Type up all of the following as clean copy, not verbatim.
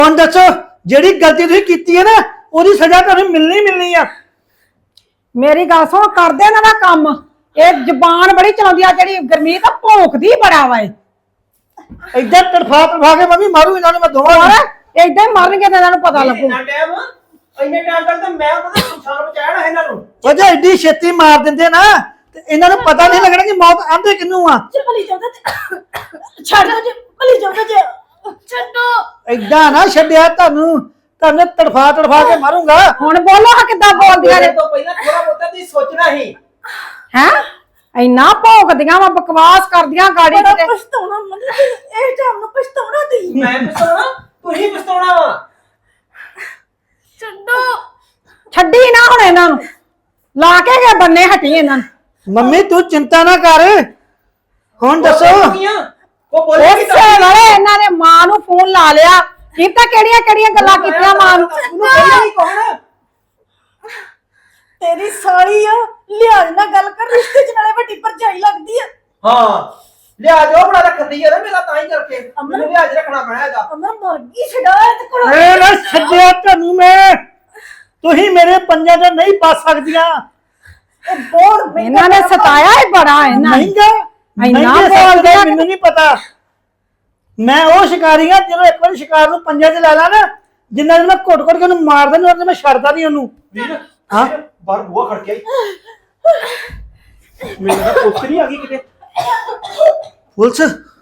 ਹੁਣ ਦੱਸੋ ਜਿਹੜੀ ਗਲਤੀ ਤੁਸੀਂ ਕੀਤੀ ਹੈ ਨਾ ਉਹਦੀ ਸਜ਼ਾ ਤੁਹਾਨੂੰ ਮਿਲਣੀ ਆ। ਮੇਰੀ ਗੱਲ ਸੁਣ, ਕਰਦੇ ਇਹਨਾਂ ਦਾ ਕੰਮ। ਇਹ ਜ਼ਬਾਨ ਬੜੀ ਚਲਾਉਂਦੀ ਆ, ਜਿਹੜੀ ਗਰਮੀਤ ਆ ਭੌਂਕਦੀ ਬੜਾ ਵਾ। ਏਦਾਂ ਤੜਫਾ ਕੇ ਮੰਮੀ ਮਾਰੂ ਇਹਨਾਂ ਨੂੰ ਮੈਂ ਦੋਵਾਂ ਨੂੰ। ਏਦਾਂ ਹੀ ਮਰਨਗੇ ਤੇ ਇਹਨਾਂ ਨੂੰ ਪਤਾ ਲੱਗੂ। ਇੰਨੇ ਟਾਈਮ ਤੱਕ ਤਾਂ ਮੈਂ ਉਹਨਾਂ ਦਾ ਸੰਸਾਰ ਬਚਾਇਆ ਨਾ ਇਹਨਾਂ ਨੂੰ। ਵਜਾ ਐਡੀ ਛੇਤੀ ਮਾਰ ਦਿੰਦੇ ਨਾ ਤੇ ਇਹਨਾਂ ਨੂੰ ਪਤਾ ਨਹੀਂ ਲੱਗਣਾ ਕਿ ਮੌਤ ਆਂਦੇ ਕਿੰਨੂੰ ਆ। ਭਲੀ ਜਾਉਂਦਾ ਛੱਡ ਦੋ ਜੀ, ਭਲੀ ਜਾਉਂਦਾ ਜੀ, ਛੱਡੋ। ਏਦਾਂ ਨਾ ਛੱਡਿਆ ਤੁਹਾਨੂੰ ਤੜਫਾ ਕੇ ਮਾਰੂੰਗਾ। ਹੁਣ ਬੋਲੋ ਹਾਂ ਕਿੱਦਾਂ ਬੋਲਦੀਆਂ ਨੇ। ਤੋਂ ਪਹਿਲਾਂ ਥੋੜਾ ਬਹੁਤਾ ਤੁਸੀਂ ਸੋਚਣਾ ਸੀ। ਹੈ ਇੰਨਾ ਭੌਂਕਦੀਆਂ ਵਾ, ਬਕਵਾਸ ਕਰਦੀਆਂ ਗਾੜੀ ਕਿਤੇ। ਪਛਤਾਉਣਾ ਮਤਲਬ ਇਹ ਟਾਈਮ ਨੂੰ ਪਛਤਾਉਣਾ ਤੁਸੀਂ। ਮੈਂ ਪਛਤਾਉਣਾ, ਤੁਸੀਂ ਪਛਤਾਉਣਾ ਵਾ। ਛੱਡੋ। ਛੱਡੀ ਨਾ ਹੁਣ ਇਹਨਾਂ ਨੂੰ, ਲਾ ਕੇ ਗਏ ਬੰਨੇ ਹਟੀ ਇਹਨਾਂ ਨੂੰ। ਮੰਮੀ ਤੂੰ ਚਿੰਤਾ ਨਾ ਕਰ। ਹੁਣ ਦੱਸੋ ਉਹ ਬੋਲੇ ਕਿ ਉਸੇ ਵੇਲੇ ਇਹਨਾਂ ਨੇ ਮਾਂ ਨੂੰ ਫੋਨ ਲਾ ਲਿਆ। ਕਿਤਾ ਕਿਹੜੀਆਂ ਗੱਲਾਂ ਕੀਤੀਆਂ ਮਾਂ ਨੂੰ। ਕੌਣ ਤੇਰੀ ਸਾਲੀ ਆ, ਲਿਆਜ ਨਾਲ ਗੱਲ ਕਰ, ਰਿਸ਼ਤੇ ਚ ਨਾਲੇ ਵੱਡੀ ਭਰਜਾਈ ਲੱਗਦੀ ਆ। ਹਾਂ ਲਿਆ ਜੋ ਬੜਾ ਰੱਖਦੀ ਹੈ ਨਾ ਮੇਰਾ, ਤਾਂ ਹੀ ਕਰਕੇ ਮੈਨੂੰ ਲਿਆਜ ਰੱਖਣਾ ਪੈਣਾ ਇਹਦਾ। ਅਮਰ ਮੁਰਗੀ ਛਡਾ ਤੇ ਕੋਲ। ਏ ਨਾ ਛੱਡਿਆ ਤੁਹਾਨੂੰ ਮੈਂ। ਤੁਸੀਂ ਮੇਰੇ ਪੰਜਾਂ ਤੇ ਨਹੀਂ ਪਾ ਸਕਦੀਆਂ। ਇਹ ਬਹੁਤ ਇਹਨਾਂ ਨੇ ਸਤਾਇਆ ਹੀ ਬੜਾ ਇਹਨਾਂ ਨੇ। ਇੰਨਾ ਬੋਲਦੇ ਮੈਨੂੰ ਨਹੀਂ ਪਤਾ। ਮੈਂ ਉਹ ਸ਼ਿਕਾਰੀ ਆ ਜਦੋਂ ਇੱਕ ਵਾਰ ਸ਼ਿਕਾਰ ਨੂੰ ਪੰਜਾਂ 'ਚ ਲੈ ਲਾ ਨਾ, ਜਿੰਨਾ ਦਿਨ ਮੈਂ ਘੁੱਟ ਕੇ ਉਹਨੂੰ ਮਾਰ ਦਿੰਦਾ ਉਹਨੇ ਮੈਂ ਛੱਡਦਾ ਨਹੀਂ ਉਹਨੂੰ। ਵੀਰ ਹਾਂ ਬਾਹਰ ਬੂਹਾ ਖੜ ਕੇ ਆਈ। ਮੈਨੂੰ ਤਾਂ ਪੁੱਛ ਨਹੀਂ ਆ ਗਈ ਕਿਤੇ। ਪੁਲਿਸ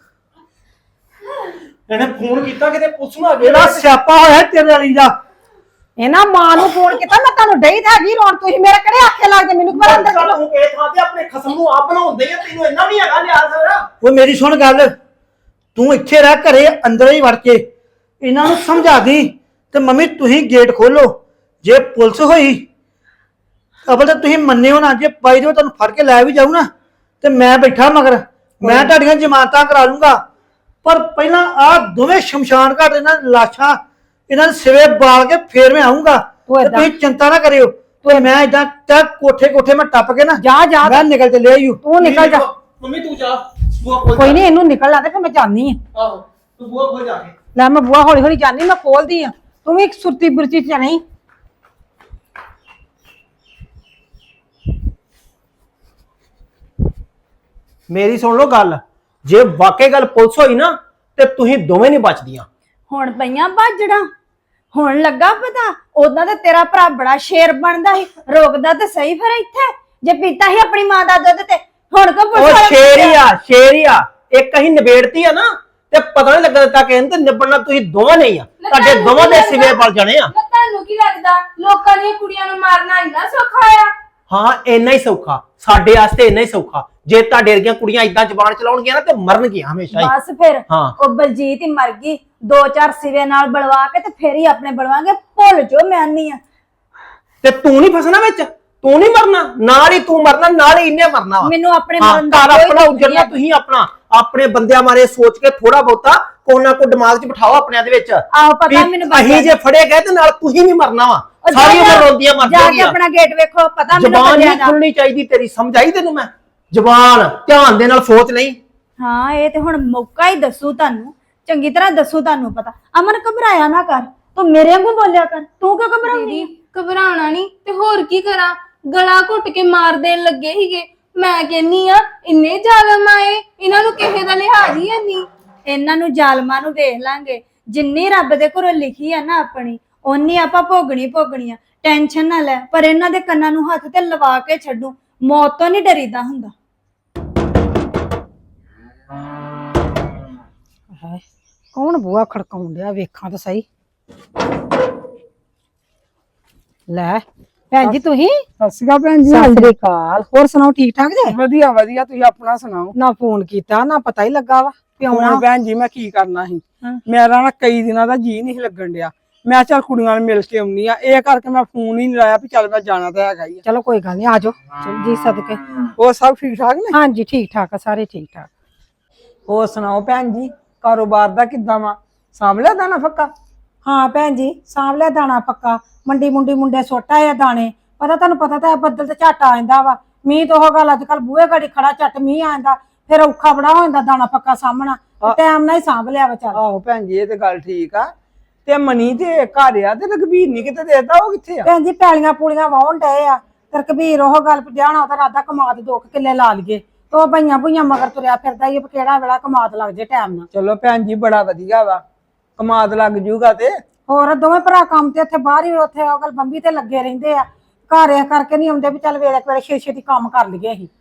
ਇਹਨੇ ਫੋਨ ਕੀਤਾ ਕਿਤੇ ਪੁੱਛ ਨਾ ਆ ਗਈ। ਇਹਦਾ ਸਿਆਪਾ ਹੋਇਆ ਤੇਰੇ ਵਾਲੀ ਦਾ। ਇਹਨਾਂ ਮਾਂ ਨੂੰ ਫੋਨ ਕੀਤਾ, ਮੈਂ ਤੁਹਾਨੂੰ ਡਈ ਤਾਂ ਹੈਗੀ ਰੋਣ। ਤੁਸੀਂ ਮੇਰੇ ਕਿਹੜੇ ਆਖੇ ਲੱਗਦੇ ਮੈਨੂੰ ਕਿ ਮੈਂ ਅੰਦਰ ਚੱਲ ਹੁਣ ਇਹ ਥਾਂ ਤੇ ਆਪਣੇ ਖਸਮ ਨੂੰ ਆਪ ਬਣਾਉਂਦੇ ਆ, ਤੈਨੂੰ ਇੰਨਾ ਵੀ ਹੈਗਾ ਲਿਆ ਸਾਰਾ। ਉਹ ਮੇਰੀ ਸੁਣ ਗੱਲ, ਤੂੰ ਇੱਥੇ ਰਹਿ ਘਰੇ ਅੰਦਰ ਹੀ ਵੜ ਕੇ ਇਹਨਾਂ ਨੂੰ ਸਮਝਾ ਦੀ ਤੇ ਮੰਮੀ ਤੁਸੀਂ ਗੇਟ ਖੋਲੋ। ਜੇ ਪੁਲਿਸ ਹੋਈ ਅਬਲ ਤਾਂ ਤੁਸੀਂ ਮੰਨਿਓ ਨਾ, ਜੇ ਬਾਈ ਦੇ ਤੁਹਾਨੂੰ ਫੜ ਕੇ ਲੈ ਵੀ ਜਾਊ ਨਾ ਤੇ ਮੈਂ ਬੈਠਾ ਮਗਰ, ਮੈਂ ਤੁਹਾਡੀਆਂ ਜ਼ਮਾਨਤਾਂ ਕਰਾ ਲੂੰਗਾ। ਪਰ ਪਹਿਲਾਂ ਆਹ ਦੋਵੇਂ ਸ਼ਮਸ਼ਾਨ ਘਾਟ ਇਹਨਾਂ ਲਾਸ਼ਾਂ ਇਹਨਾਂ ਦੇ ਸਿਵੇ ਬਾਲ ਕੇ ਫੇਰ ਮੈਂ ਆਉਂਗਾ। ਤੁਸੀਂ ਚਿੰਤਾ ਨਾ ਕਰਿਓ। ਤੇ ਮੈਂ ਇਦਾਂ ਕੋਠੇ ਮੈਂ ਟੱਪ ਕੇ ਨਾ ਜਾ ਮੈਂ ਨਿਕਲ ਚੱਲਿਆ ਈ। ਤੂੰ ਨਿਕਲ ਜਾ। ਮੰਮੀ ਤੂੰ ਜਾ ਬੂਹਾ ਖੋਲ। ਕੋਈ ਨਹੀਂ, ਇਹਨੂੰ ਨਿਕਲ ਲਾ ਤੇ ਫਿਰ ਮੈਂ ਜਾਣੀ ਆ। ਆਹੋ ਤੂੰ ਬੂਹਾ ਖੋਲ ਜਾ ਕੇ। ਲੈ ਮੈਂ ਬੂਹਾ ਹੌਲੀ ਜਾਣੀ, ਮੈਂ ਖੋਲਦੀ ਆ। ਤੂੰ ਵੀ ਇੱਕ ਸੁਰਤੀ ਬੁਰਤੀ ਚ ਨਹੀਂ। ਮੇਰੀ ਸੁਣ ਲਓ ਗੱਲ, ਜੇ ਵਾਕਈ ਗੱਲ ਪੁਲਿਸ ਹੋਈ ਨਾ ਤੇ ਤੁਸੀਂ ਦੋਵੇਂ ਨਹੀਂ ਬਚਦੀਆਂ। ਹੁਣ ਪਈਆਂ ਬਾਜੜਾ, ਹੁਣ ਲੱਗਾ ਪਤਾ। ਉਦਾਂ ਤਾਂ ਤੇਰਾ ਭਰਾ ਬੜਾ ਸ਼ੇਰ ਬਣਦਾ ਸੀ, ਰੋਕਦਾ ਤੇ ਸਹੀ ਫਿਰ ਇੱਥੇ ਜੇ ਪੀਤਾ ਸੀ ਆਪਣੀ ਮਾਂ ਦਾ ਦੁੱਧ। ਤੇ ਹੁਣ ਕੋ ਉਹ ਸ਼ੇਰ ਹੀ ਆ ਇੱਕ ਅਸੀਂ ਨਿਬੇੜਤੀ ਆ ਨਾ, ਤੇ ਪਤਾ ਨਹੀਂ ਲੱਗਾ ਦਿੱਤਾ ਕਿ ਤੇ ਨਿਬੜਨਾ ਤੁਸੀਂ ਦੋਵਾਂ ਨਹੀਂ ਆ। ਤੁਹਾਡੇ ਦੋਵਾਂ ਦੇ ਸਿਵੇ ਪਲ ਜਾਣੇ ਆ। ਤੁਹਾਨੂੰ ਕੀ ਲੱਗਦਾ ਲੋਕਾਂ ਦੀਆਂ ਕੁੜੀਆਂ ਨੂੰ ਮਾਰਨਾ ਇੰਨਾ ਸੌਖਾ ਆ? ਹਾਂ ਇੰਨਾ ਹੀ ਸੌਖਾ, ਸਾਡੇ ਵਾਸਤੇ ਇੰਨਾ ਹੀ ਸੌਖਾ। ਜੇ ਤੁਹਾਡੇ ਵਰਗੀਆਂ ਕੁੜੀਆਂ ਇਦਾਂ ਜ਼ਬਾਨ ਚਲਾਉਣਗੀਆਂ ਨਾ ਤੇ ਮਰਨਗੀਆਂ ਹਮੇਸ਼ਾ ਹੀ। ਬਸ ਫਿਰ ਹਾਂ। ਉਹ ਬਲਜੀਤ ਹੀ ਮਰ ਗਈ, 2-4 ਸਿਵੇ ਨਾਲ ਬਲਵਾ ਕੇ ਤੇ ਫਿਰ ਹੀ ਆਪਣੇ ਬਲਵਾਂਗੇ। ਭੁੱਲ ਜੋ ਮੈਂ ਨਹੀਂ ਆ। ਤੇ ਤੂੰ ਨਹੀਂ ਫਸਣਾ ਵਿੱਚ, ਤੂੰ ਨਹੀਂ ਮਰਨਾ, ਨਾਲ ਹੀ ਤੂੰ ਮਰਨਾ, ਨਾਲ ਹੀ ਇਹਨੇ ਮਰਨਾ ਵਾ। ਮੈਨੂੰ ਆਪਣੇ ਹਾਂ, ਮਰਨ ਦਾ ਘਰ ਕੋਈ ਆਪਣਾ ਦੁੱਖ ਉਜੜਨਾ, ਨਹੀਂ। ਤੁਸੀਂ ਆਪਣਾ ਆਪਣੇ ਬੰਦਿਆਂ ਮਾਰੇ ਸੋਚ ਕੇ ਥੋੜਾ ਬਹੁਤਾ ਕੋਨਾ ਕੋ ਦਿਮਾਗ 'ਚ ਬਿਠਾਓ ਆਪਣਿਆਂ ਦੇ ਵਿੱਚ। ਆਹੋ ਪਤਾ ਮੈਨੂੰ ਅਸੀਂ ਜੇ ਫੜੇ ਗਏ ਤੇ ਨਾਲ ਤੁਸੀਂ ਵੀ ਮਰਨਾ ਵਾ। ਸਾਰੀ ਉਮਰ ਰੋਂਦੀਆਂ ਮਰ ਜਾ ਕੇ ਜਾਣਗੀਆਂ। ਆਪਣਾ ਗੇਟ ਵੇਖੋ, ਪਤਾ ਮੈਨੂੰ ਜ਼ਬਾਨ ਬੰਦਿਆਂ ਨਹੀਂ ਦਾ। ਖੁੱਲਣੀ ਚਾਹੀਦੀ ਤੇਰੀ, ਸਮਝ ਆਈ ਤੈਨੂੰ? ਮੈਂ ਜ਼ਬਾਨ ਧਿਆਨ ਦੇ ਨਾਲ ਸੋਚ ਲਈ। ਹਾਂ ਇਹ ਤੇ ਹੁਣ ਮੌਕਾ ਹੀ ਦੱਸੂ ਤੁਹਾਨੂੰ, ਚੰਗੀ ਤਰ੍ਹਾਂ ਦੱਸੂ ਤੁਹਾਨੂੰ ਪਤਾ। ਅਮਨ ਘਬਰਾਇਆ ਨਾ ਕਰ, ਤੂੰ ਮੇਰੇ ਵਾਂਗੂ ਬੋਲਿਆ ਕਰ। ਤੂੰ ਕਿਉਂ ਘਬਰਾਉਂਦੀ? ਘਬਰਾਉਣਾ ਨਹੀਂ ਤੇ ਹੋਰ ਕੀ ਕਰਾਂ? ਗਲਾ ਘੁੱਟ ਕੇ ਮਾਰ ਦੇਣ ਲੱਗੇ ਸੀਗੇ। ਮੈਂ ਕਹਿੰਨੀ ਆ ਇੰਨੇ ਜ਼ਾਲਮ ਆਏ, ਇਹਨਾਂ ਨੂੰ ਕਿਸੇ ਦਾ ਲਿਹਾਜ਼ ਹੀ ਨਹੀਂ। ਇਹਨਾਂ ਨੂੰ ਜ਼ਾਲਮਾਂ ਨੂੰ ਵੇਖ ਲਾਂਗੇ। ਜਿੰਨੀ ਰੱਬ ਦੇ ਘਰੋਂ ਲਿਖੀ ਆ ਨਾ ਆਪਣੀ, ਓਨੀ ਆਪਾਂ ਭੋਗਣੀ ਆ। ਟੈਨਸ਼ਨ ਨਾ ਲੈ। ਪਰ ਇਹਨਾਂ ਦੇ ਕੰਨਾਂ ਨੂੰ ਹੱਥ ਤੇ ਲਵਾ ਕੇ ਛੱਡੂ। ਮੌਤ ਤੋਂ ਨਹੀਂ ਡਰੀਦਾ ਹੁੰਦਾ। ਕੌਣ ਬੂਹਾ ਖੜਕਾਉਣ ਡਿਆ? ਵੇਖਾਂ ਤਾਂ ਸਹੀ। ਲੈ ਭੈਣ ਜੀ, ਤੁਸੀਂ? ਸਤਿ ਸ਼੍ਰੀ ਅਕਾਲ ਭੈਣ ਜੀ। ਸਤਿ ਸ੍ਰੀ ਅਕਾਲ। ਹੋਰ ਸੁਣਾਓ, ਠੀਕ ਠਾਕ ਜੇ? ਵਧੀਆ ਵਧੀਆ, ਤੁਸੀਂ ਆਪਣਾ ਸੁਣਾਓ। ਨਾ ਫੋਨ ਕੀਤਾ ਨਾ ਪਤਾ ਹੀ ਲੱਗਾ ਵਾ ਵੀ ਆਉਣਾ। ਹੁਣ ਭੈਣ ਜੀ ਮੈਂ ਕੀ ਕਰਨਾ ਸੀ, ਮੇਰਾ ਨਾ ਕਈ ਦਿਨਾਂ ਦਾ ਜੀ ਨਹੀਂ ਲੱਗਣ ਡਿਆ। ਮੈਂ ਚੱਲ ਕੁੜੀਆਂ ਨਾਲ ਮਿਲ ਕੇ ਆਉਣੀ ਆ, ਇਹ ਕਰਕੇ ਮੈਂ ਫੋਨ ਹੀ ਨਹੀਂ ਲਾਇਆ ਵੀ ਚੱਲ ਮੈਂ ਜਾਣਾ ਤਾਂ ਹੈਗਾ ਹੀ। ਚਲੋ ਕੋਈ ਗੱਲ ਨਹੀਂ, ਆਜੋ ਜੀ ਸਦਕੇ। ਉਹ ਸਭ ਠੀਕ ਠਾਕ ਨੇ? ਹਾਂਜੀ ਠੀਕ ਠਾਕ ਆ, ਸਾਰੇ ਠੀਕ ਠਾਕ। ਹੋਰ ਸੁਣਾਓ ਭੈਣ ਜੀ, ਕਾਰੋਬਾਰ ਦਾ ਕਿੱਦਾਂ ਵਾ? ਸਾਂਭ ਲਿਆ ਦਾਣਾ ਫੱਕਾ? ਹਾਂ ਭੈਣ ਜੀ, ਸਾਂਭ ਲਿਆ ਦਾਣਾ ਪੱਕਾ। ਮੰਡੀ ਮੁੰਡੇ ਸੁੱਟ ਆਏ ਆ ਦਾਣੇ। ਪਤਾ ਤਾਂ ਬੱਦਲ ਤੇ ਝੱਟ ਆ ਜਾਂਦਾ ਵਾ। ਮੀਂਹ ਤੋਂ ਉਹ ਗੱਲ ਅੱਜ ਕੱਲ ਬੂਹੇ ਗਾੜੀ ਖੜਾ ਝੱਟ ਮੀਂਹ ਆ ਜਾਂਦਾ, ਫਿਰ ਔਖਾ ਬੜਾ ਹੋ ਜਾਂਦਾ ਦਾਣਾ ਪੱਕਾ ਸਾਂਭਣਾ। ਟਾਈਮ ਨਾਲ ਹੀ ਸਾਂਭ ਲਿਆ ਵਾ। ਚੱਲ ਆਹੋ ਭੈਣ ਜੀ, ਇਹ ਤੇ ਗੱਲ ਠੀਕ ਆ। ਤੇ ਮਨੀ ਤੇ ਘਰ ਆ ਤੇ ਰਘਬੀਰ ਨਹੀਂ ਕਿਤੇ ਦੇਦਾ, ਉਹ ਕਿੱਥੇ ਆ? ਭੈਣ ਜੀ ਪੈਲੀਆਂ ਪੂਲੀਆਂ ਵਾਹੁਣ ਡਏ ਆ ਤੇ ਕਬੀਰ ਉਹ ਗੱਲ ਪਿਆਣਾ ਉਹਦਾ ਰਾਦਾ ਕਮਾਦ 2 ਕਿੱਲੇ ਲਾ ਲਈਏ ਤੇ ਉਹ ਬਈਆਂ ਬੁਈਆਂ ਮਗਰ ਤੁਰਿਆ ਫਿਰਦਾ ਈ ਕਿਹੜਾ ਵੇਲਾ ਕਮਾਦ ਲੱਗ ਜੇ ਟਾਈਮ ਨਾਲ। ਚਲੋ ਭੈਣ ਜੀ ਬੜਾ ਵਧੀਆ ਵਾ, ਕਮਾਦ ਲੱਗ ਜੂਗਾ ਤੇ। ਹੋਰ ਦੋਵੇਂ ਭਰਾ ਕੰਮ ਤੇ ਉੱਥੇ ਬਾਹਰ ਹੀ ਉੱਥੇ ਉਹ ਗੱਲ ਬੰਬੀ ਤੇ ਲੱਗੇ ਰਹਿੰਦੇ ਆ, ਘਰ ਇਹ ਕਰਕੇ ਨਹੀਂ ਆਉਂਦੇ ਵੀ ਚੱਲ ਵੇਲੇ ਵੇਲੇ ਛੇ ਛੇਤੀ ਕੰਮ ਕਰ ਲਈਏ ਅਸੀਂ।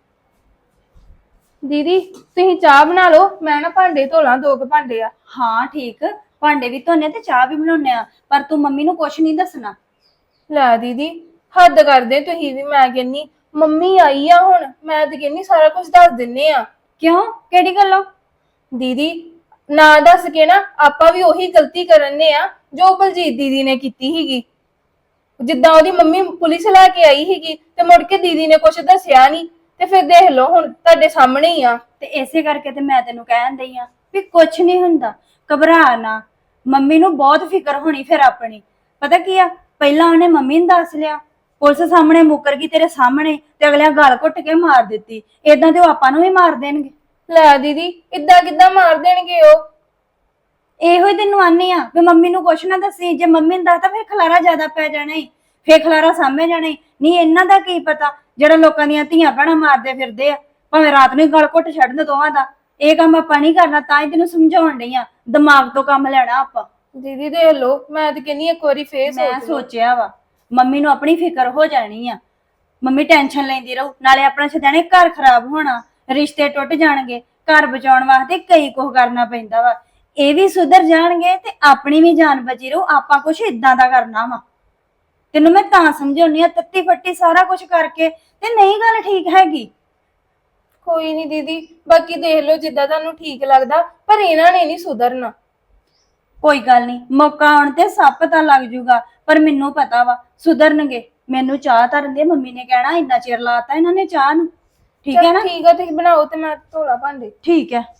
ਦੀਦੀ ਤੁਸੀਂ ਚਾਹ ਬਣਾ ਲਓ, ਮੈਂ ਨਾ ਭਾਂਡੇ ਧੋ ਲਾਂ, 2 ਭਾਂਡੇ ਆ। ਹਾਂ ਠੀਕ, ਭਾਂਡੇ ਵੀ ਧੋਨੇ ਤੇ ਚਾਹ ਵੀ ਬਣਾਉਨੇ ਆ, ਪਰ ਤੂੰ ਮੰਮੀ ਨੂੰ ਕੁਛ ਨਹੀਂ ਦੱਸਣਾ। ਲੈ ਦੀਦੀ ਹੱਦ ਕਰਦੇ ਤੁਸੀਂ ਵੀ, ਮੈਂ ਕਹਿੰਨੀ ਮੰਮੀ ਆਈ ਆ ਹੁਣ, ਮੈਂ ਤੇ ਕਹਿੰਨੀ ਸਾਰਾ ਕੁਝ ਦੱਸ ਦਿੰਨੇ ਆ। ਕਿਉਂ, ਕਿਹੜੀ ਗੱਲੋਂ? ਦੀਦੀ ਨਾ ਦੱਸ ਕੇ ਨਾ ਆਪਾਂ ਵੀ ਉਹੀ ਗਲਤੀ ਕਰਨੇ ਆ ਜੋ ਬਲਜੀਤ ਦੀਦੀ ਨੇ ਕੀਤੀ ਸੀਗੀ। ਜਿੱਦਾਂ ਉਹਦੀ ਮੰਮੀ ਪੁਲਿਸ ਲੈ ਕੇ ਆਈ ਸੀਗੀ ਤੇ ਮੁੜ ਕੇ ਦੀਦੀ ਨੇ ਕੁਝ ਦੱਸਿਆ ਨਹੀਂ, ਤੇ ਫਿਰ ਦੇਖ ਲਓ ਹੁਣ ਤੁਹਾਡੇ ਸਾਹਮਣੇ ਹੀ ਆ। ਤੇ ਇਸੇ ਕਰਕੇ ਤੇ ਮੈਂ ਤੈਨੂੰ ਕਹਿਣ ਦਈ ਆ ਵੀ ਕੁਛ ਨਹੀਂ ਹੁੰਦਾ, ਘਬਰਾ ਨਾ। ਮੰਮੀ ਨੂੰ ਬਹੁਤ ਫਿਕਰ ਹੋਣੀ ਫਿਰ ਆਪਣੀ। ਪਤਾ ਕੀ ਆ, ਪਹਿਲਾਂ ਉਹਨੇ ਮੰਮੀ ਨੂੰ ਦੱਸ ਲਿਆ, ਪੁਲਿਸ ਸਾਹਮਣੇ ਮੁੱਕਰ ਗਈ ਤੇਰੇ ਸਾਹਮਣੇ, ਤੇ ਅਗਲਿਆਂ ਗਾਲ ਘੁੱਟ ਕੇ ਮਾਰ ਦਿੱਤੀ। ਏਦਾਂ ਤੇ ਉਹ ਆਪਾਂ ਨੂੰ ਵੀ ਮਾਰ ਦੇਣਗੇ। ਲੈ ਦੀਦੀ ਇਦਾਂ ਕਿੱਦਾਂ ਮਾਰ ਦੇਣਗੇ ਉਹ? ਇਹੋ ਹੀ ਤੈਨੂੰ ਆਨੀ ਆ ਵੀ ਮੰਮੀ ਨੂੰ ਕੁਛ ਨਾ ਦੱਸੀ, ਜੇ ਮੰਮੀ ਨੂੰ ਦੱਸਦਾ ਫਿਰ ਖਲਾਰਾ ਜ਼ਿਆਦਾ ਪੈ ਜਾਣਾ ਈ, ਫਿਰ ਖਲਾਰਾ ਸਾਹਮਣੇ ਜਾਣਾ ਈ। ਨਹੀਂ ਇਹਨਾਂ ਦਾ ਕੀ ਪਤਾ ਜਿਹੜਾ ਲੋਕਾਂ ਦੀਆਂ ਧੀਆਂ ਭੈਣਾਂ ਮਾਰਦੇ ਫਿਰਦੇ ਆ, ਭਾਵੇਂ ਰਾਤ ਨੂੰ ਹੀ ਗਲ ਘੁੱਟ ਛੱਡਣ ਦੋਵਾਂ ਦਾ। ਇਹ ਕੰਮ ਆਪਾਂ ਨਹੀਂ ਕਰਨਾ, ਤਾਂ ਹੀ ਤੈਨੂੰ ਸਮਝਾਉਣ ਡਈ ਆ, ਦਿਮਾਗ ਤੋਂ ਕੰਮ ਲੈਣਾ ਆਪਾਂ। ਦੀਦੀ ਦੇਖ ਲਓ, ਮੈਂ ਤੇ ਕਹਿੰਨੀ ਇੱਕ ਵਾਰੀ ਫੇਰ ਮੈਂ ਸੋਚ ਲਓ। ਸੋਚਿਆ ਵਾ ਮੰਮੀ ਨੂੰ ਆਪਣੀ ਫਿਕਰ ਹੋ ਜਾਣੀ ਆ, ਮੰਮੀ ਟੈਨਸ਼ਨ ਲੈਂਦੀ ਰਹੂ, ਨਾਲੇ ਆਪਣਾ ਛਦਾਣੇ ਘਰ ਖਰਾਬ ਹੋਣਾ, ਰਿਸ਼ਤੇ ਟੁੱਟ ਜਾਣਗੇ। ਘਰ ਬਚਾਉਣ ਵਾਸਤੇ ਕਈ ਕੁਝ ਕਰਨਾ ਪੈਂਦਾ ਵਾ, ਇਹ ਵੀ ਸੁਧਰ ਜਾਣਗੇ ਤੇ ਆਪਣੀ ਵੀ ਜਾਨ ਬਚੀ ਰਹੂ। ਆਪਾਂ ਕੁਛ ਇਦਾਂ ਦਾ ਕਰਨਾ ਵਾ, ਤੈਨੂੰ ਮੈਂ ਤਾਂ ਸਮਝਾਉਣੀ ਆ, ਤੱਤੀ ਫੱਟੀ ਸਾਰਾ ਕੁਝ ਕਰਕੇ ਤੇ ਨਹੀਂ ਗੱਲ ਠੀਕ ਹੈਗੀ। ਕੋਈ ਨਹੀਂ ਦੀਦੀ, ਬਾਕੀ ਦੇਖ ਲਓ ਜਿੱਦਾਂ ਤੁਹਾਨੂੰ ਠੀਕ ਲੱਗਦਾ, ਪਰ ਇਹਨਾਂ ਨੇ ਨਹੀਂ ਸੁਧਰਨਾ। ਕੋਈ ਗੱਲ ਨਹੀਂ, ਮੌਕਾ ਆਉਣ ਤੇ ਸਭ ਪਤਾ ਲੱਗ ਜੂਗਾ, ਪਰ ਮੈਨੂੰ ਪਤਾ ਵਾ ਸੁਧਰਨਗੇ। ਮੈਨੂੰ ਚਾਹ ਧਰਨ ਦੇ, ਮੰਮੀ ਨੇ ਕਹਿਣਾ ਇੰਨਾ ਚਿਰ ਲਾਤਾ ਇਹਨਾਂ ਨੇ ਚਾਹ ਨੂੰ। ਠੀਕ ਹੈ ਨਾ? ਠੀਕ ਆ, ਤੁਸੀਂ ਬਣਾਓ ਤੇ ਮੈਂ ਧੋਲਾ ਭਾਂਡੇ। ਠੀਕ ਹੈ।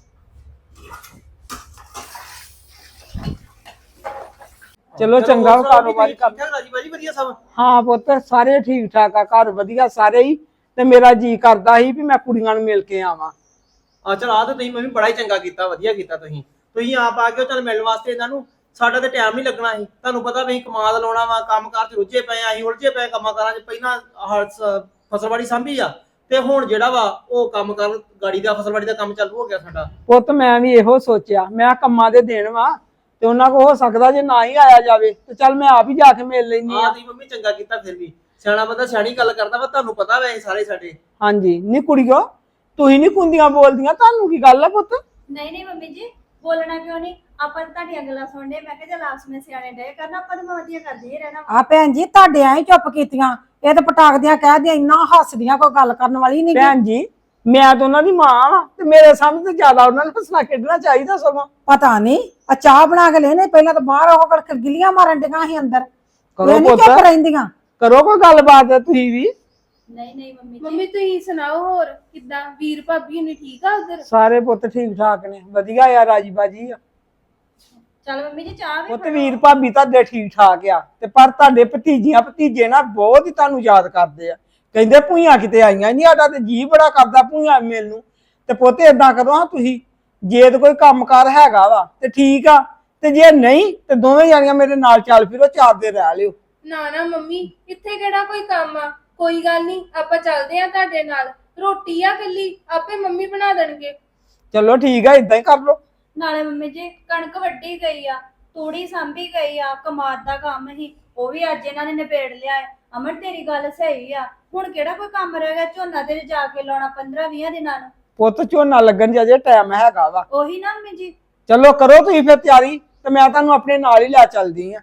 ਚਲੋ ਚੰਗਾ ਵਾ, ਕਾਰੋਬਾਰੀ ਕਰ। ਰਾਜੀ ਬਾਜੀ ਵਧੀਆ ਸਭ? ਹਾਂ ਪੁੱਤ ਸਾਰੇ ਠੀਕ ਠਾਕ ਆ, ਘਰ ਵਧੀਆ ਸਾਰੇ ਹੀ। ਤੇ ਮੇਰਾ ਜੀ ਕਰਦਾ ਸੀ ਵੀ ਮੈਂ ਕੁੜੀਆਂ ਨੂੰ ਮਿਲ ਕੇ ਆਵਾਂ। ਆ ਚਲ ਆ ਤੇ ਤੁਸੀਂ ਮੰਮੀ ਬੜਾ ਹੀ ਚੰਗਾ ਕੀਤਾ, ਵਧੀਆ ਕੀਤਾ ਤੁਸੀਂ ਆਪ ਆ ਕੇ ਚੱਲ ਮਿਲਣ ਵਾਸਤੇ ਇਹਨਾਂ ਨੂੰ। ਸਾਡਾ ਤੇ ਟਾਈਮ ਨਹੀਂ ਲੱਗਣਾ ਸੀ, ਤੁਹਾਨੂੰ ਪਤਾ ਵੀ ਕਮਾਦ ਲਾਉਣਾ ਵਾ, ਕੰਮਕਾਰ ਚ ਰੁੱਝੇ ਪਏ ਆ, ਅਸੀਂ ਉਲਝੇ ਪਏ ਕੰਮਾਂ ਕਾਰਾਂ ਚ। ਪਹਿਲਾਂ ਫਸਲਵਾੜੀ ਸਾਂਭੀ ਆ, ਤੇ ਹੁਣ ਜਿਹੜਾ ਵਾ ਉਹ ਕੰਮ ਕਰ ਗਾੜੀ ਦਾ ਫਸਲਵਾੜੀ ਦਾ ਕੰਮ ਚਾਲੂ ਹੋ ਗਿਆ ਸਾਡਾ। ਪੁੱਤ ਮੈਂ ਵੀ ਇਹੋ ਸੋਚਿਆ, ਮੈਂ ਕੰਮਾਂ ਦੇ ਦੇਣ ਵਾ ਤੇ ਉਹਨਾਂ ਕੋ ਹੋ ਸਕਦਾ ਜੇ ਨਾ ਹੀ ਆਇਆ ਜਾਵੇ ਤੇ ਚੱਲ ਮੈਂ ਆਪ ਹੀ ਜਾ ਕੇ ਮਿਲ ਲੈਣੀ ਆ। ਤੁਸੀਂ ਮੰਮੀ ਚੰਗਾ ਕੀਤਾ, ਫਿਰ ਵੀ ਸਿਆਣਾ ਬੰਦਾ ਸਿਆਣੀ ਗੱਲ ਕਰਦਾ ਵਾ, ਤੁਹਾਨੂੰ ਪਤਾ ਵੈ ਸਾਰੇ ਸਾਡੇ। ਹਾਂਜੀ ਨੀ ਕੁੜੀਓ, ਤੁਸੀਂ ਨੀ ਕੁੰਦੀਆਂ ਬੋਲਦੀਆਂ, ਤੁਹਾਨੂੰ ਕੀ ਗੱਲ ਆ ਪੁੱਤ? ਨਹੀਂ ਮੰਮੀ ਜੀ, ਬੋਲਣਾ ਕਿਉਂ ਨਹੀਂ, ਆਪਾਂ ਤਾਂ ਤੁਹਾਡੀਆਂ ਗੱਲਾਂ ਸੁਣਦੇ। ਮੈਂ ਕਿਹਾ ਚੱਲ ਆਪਸ ਵਿੱਚ ਸਿਆਣੇ ਡੇ ਕਰਨਾ, ਆਪਾਂ ਤਾਂ ਵਧੀਆ ਕਰਦੇ ਹੀ ਰਹਿਣਾ। ਆ ਭੈਣ ਜੀ ਤੁਹਾਡੇ ਐਂ ਚੁੱਪ ਕੀਤੀਆਂ, ਇਹ ਤਾਂ ਪਟਾਕਦੀਆਂ ਕਹਿਦੀਆਂ, ਇੰਨਾ ਹੱਸਦੀਆਂ, ਕੋਈ ਗੱਲ ਕਰਨ ਵਾਲੀ ਨਹੀਂ। ਭੈਣ ਜੀ ਮੈਂ ਤਾਂ ਉਹਨਾਂ ਦੀ ਮਾਂ ਵਾਂ ਤੇ ਮੇਰੇ ਸਾਹਮਣੇ ਤੇ ਜ਼ਿਆਦਾ ਉਹਨਾਂ ਨੂੰ ਹੱਸਣਾ ਖੇਡਣਾ ਚਾਹੀਦਾ ਸਗੋਂ। ਪਤਾ ਨਹੀਂ ਆ ਚਾਹ ਬਣਾ ਕੇ ਲੈਣੇ, ਪਹਿਲਾਂ ਤਾਂ ਬਾਹਰ ਉਹ ਕੜਕ ਗਿਲੀਆਂ ਮਾਰਨ ਡੀਆਂ ਸੀ ਅੰਦਰ, ਕਰੋ ਇਹ ਨੀ ਪੁੱਤ, ਚੁੱਪ ਰਹਿੰਦੀਆਂ। ਕਰੋ ਕੋਈ ਗੱਲਬਾਤ ਤੁਸੀਂ ਵੀ। ਨਹੀਂ ਮੰਮੀ ਜੀ। ਮੰਮੀ ਤੁਸੀਂ ਸੁਣਾਓ ਹੋਰ ਕਿੱਦਾਂ? ਵੀਰ ਭਾਬੀ ਹੁਣੀ ਠੀਕ ਆ ਉਧਰ? ਸਾਰੇ ਪੁੱਤ ਠੀਕ ਠਾਕ ਨੇ, ਵਧੀਆ ਆ, ਰਾਜੀ ਬਾਜੀ ਆ। ਚੱਲ ਮੰਮੀ ਜੀ ਚਾਹ ਵੀ ਪੁੱਤ ਵੀਰ ਭਾਬੀ ਤੁਹਾਡੇ ਠੀਕ ਠਾਕ ਆ, ਤੇ ਪਰ ਤੁਹਾਡੇ ਭਤੀਜੀਆਂ ਭਤੀਜੇ ਨਾ ਬਹੁਤ ਹੀ ਤੁਹਾਨੂੰ ਯਾਦ ਕਰਦੇ ਆ। ਕਹਿੰਦੇ ਭੂਈਆਂ ਕਿਤੇ ਆਈਆਂ ਨਹੀਂ, ਸਾਡਾ ਤੇ ਜੀ ਬੜਾ ਕਰਦਾ ਭੂਈਆਂ ਮਿਲਣ ਨੂੰ। ਤੇ ਪੁੱਤ ਏਦਾਂ ਕਰੋ ਹਾਂ ਤੁਸੀਂ, ਜੇ ਤੇ ਕੋਈ ਕੰਮਕਾਰ ਹੈਗਾ ਵਾ ਤੇ ਠੀਕ ਆ, ਤੇ ਜੇ ਨਹੀਂ ਤੇ ਦੋਵੇਂ ਜਾਣੀਆਂ ਮੇਰੇ ਨਾਲ ਚੱਲ ਫਿਰੋ, 4 ਦਿਨ ਰਹਿ ਲਿਓ। ਨਾ ਮੰਮੀ, ਇੱਥੇ ਕਿਹੜਾ ਕੋਈ ਕੰਮ ਆ? ਕੋਈ ਗੱਲ ਨਹੀਂ, ਆਪਾਂ ਚੱਲਦੇ ਆ ਤੁਹਾਡੇ ਨਾਲ। ਰੋਟੀ ਆ ਕੱਲੀ ਆਪੇ ਮੰਮੀ ਬਣਾ ਦੇਣਗੇ। ਚਲੋ ਠੀਕ ਆ, ਇਦਾਂ ਹੀ ਕਰ ਲਓ। ਨਾਲੇ ਮੰਮੀ ਜੀ ਕਣਕ ਵੱਢੀ ਗਈ ਆ, ਤੂੜੀ ਸਾਂਭੀ ਗਈ ਆ, ਕਮਾਦ ਦਾ ਕੰਮ ਹੀ ਉਹ ਵੀ ਅੱਜ ਇਹਨਾਂ ਨੇ ਨਿਬੇੜ ਲਿਆ ਹੈ। ਅਮਰ ਤੇਰੀ ਗੱਲ ਸਹੀ ਆ, ਹੁਣ ਕਿਹੜਾ ਕੋਈ ਕੰਮ ਰਹਿ ਗਿਆ? ਝੋਨਾ ਤੇ ਜਾ ਕੇ ਲਾਉਣਾ 15-20 ਦਿਨਾਂ ਨੂੰ। ਪੁੱਤ ਝੋਨਾ ਲੱਗਣ ਜੇ ਟਾਈਮ ਹੈਗਾ ਵਾ। ਉਹੀ ਨਾ ਮੰਮੀ ਜੀ। ਚਲੋ ਕਰੋ ਤੁਸੀਂ ਫਿਰ ਤਿਆਰੀ, ਤੇ ਮੈਂ ਤੁਹਾਨੂੰ ਆਪਣੇ ਨਾਲ ਹੀ ਲੈ ਚੱਲਦੀ ਆ।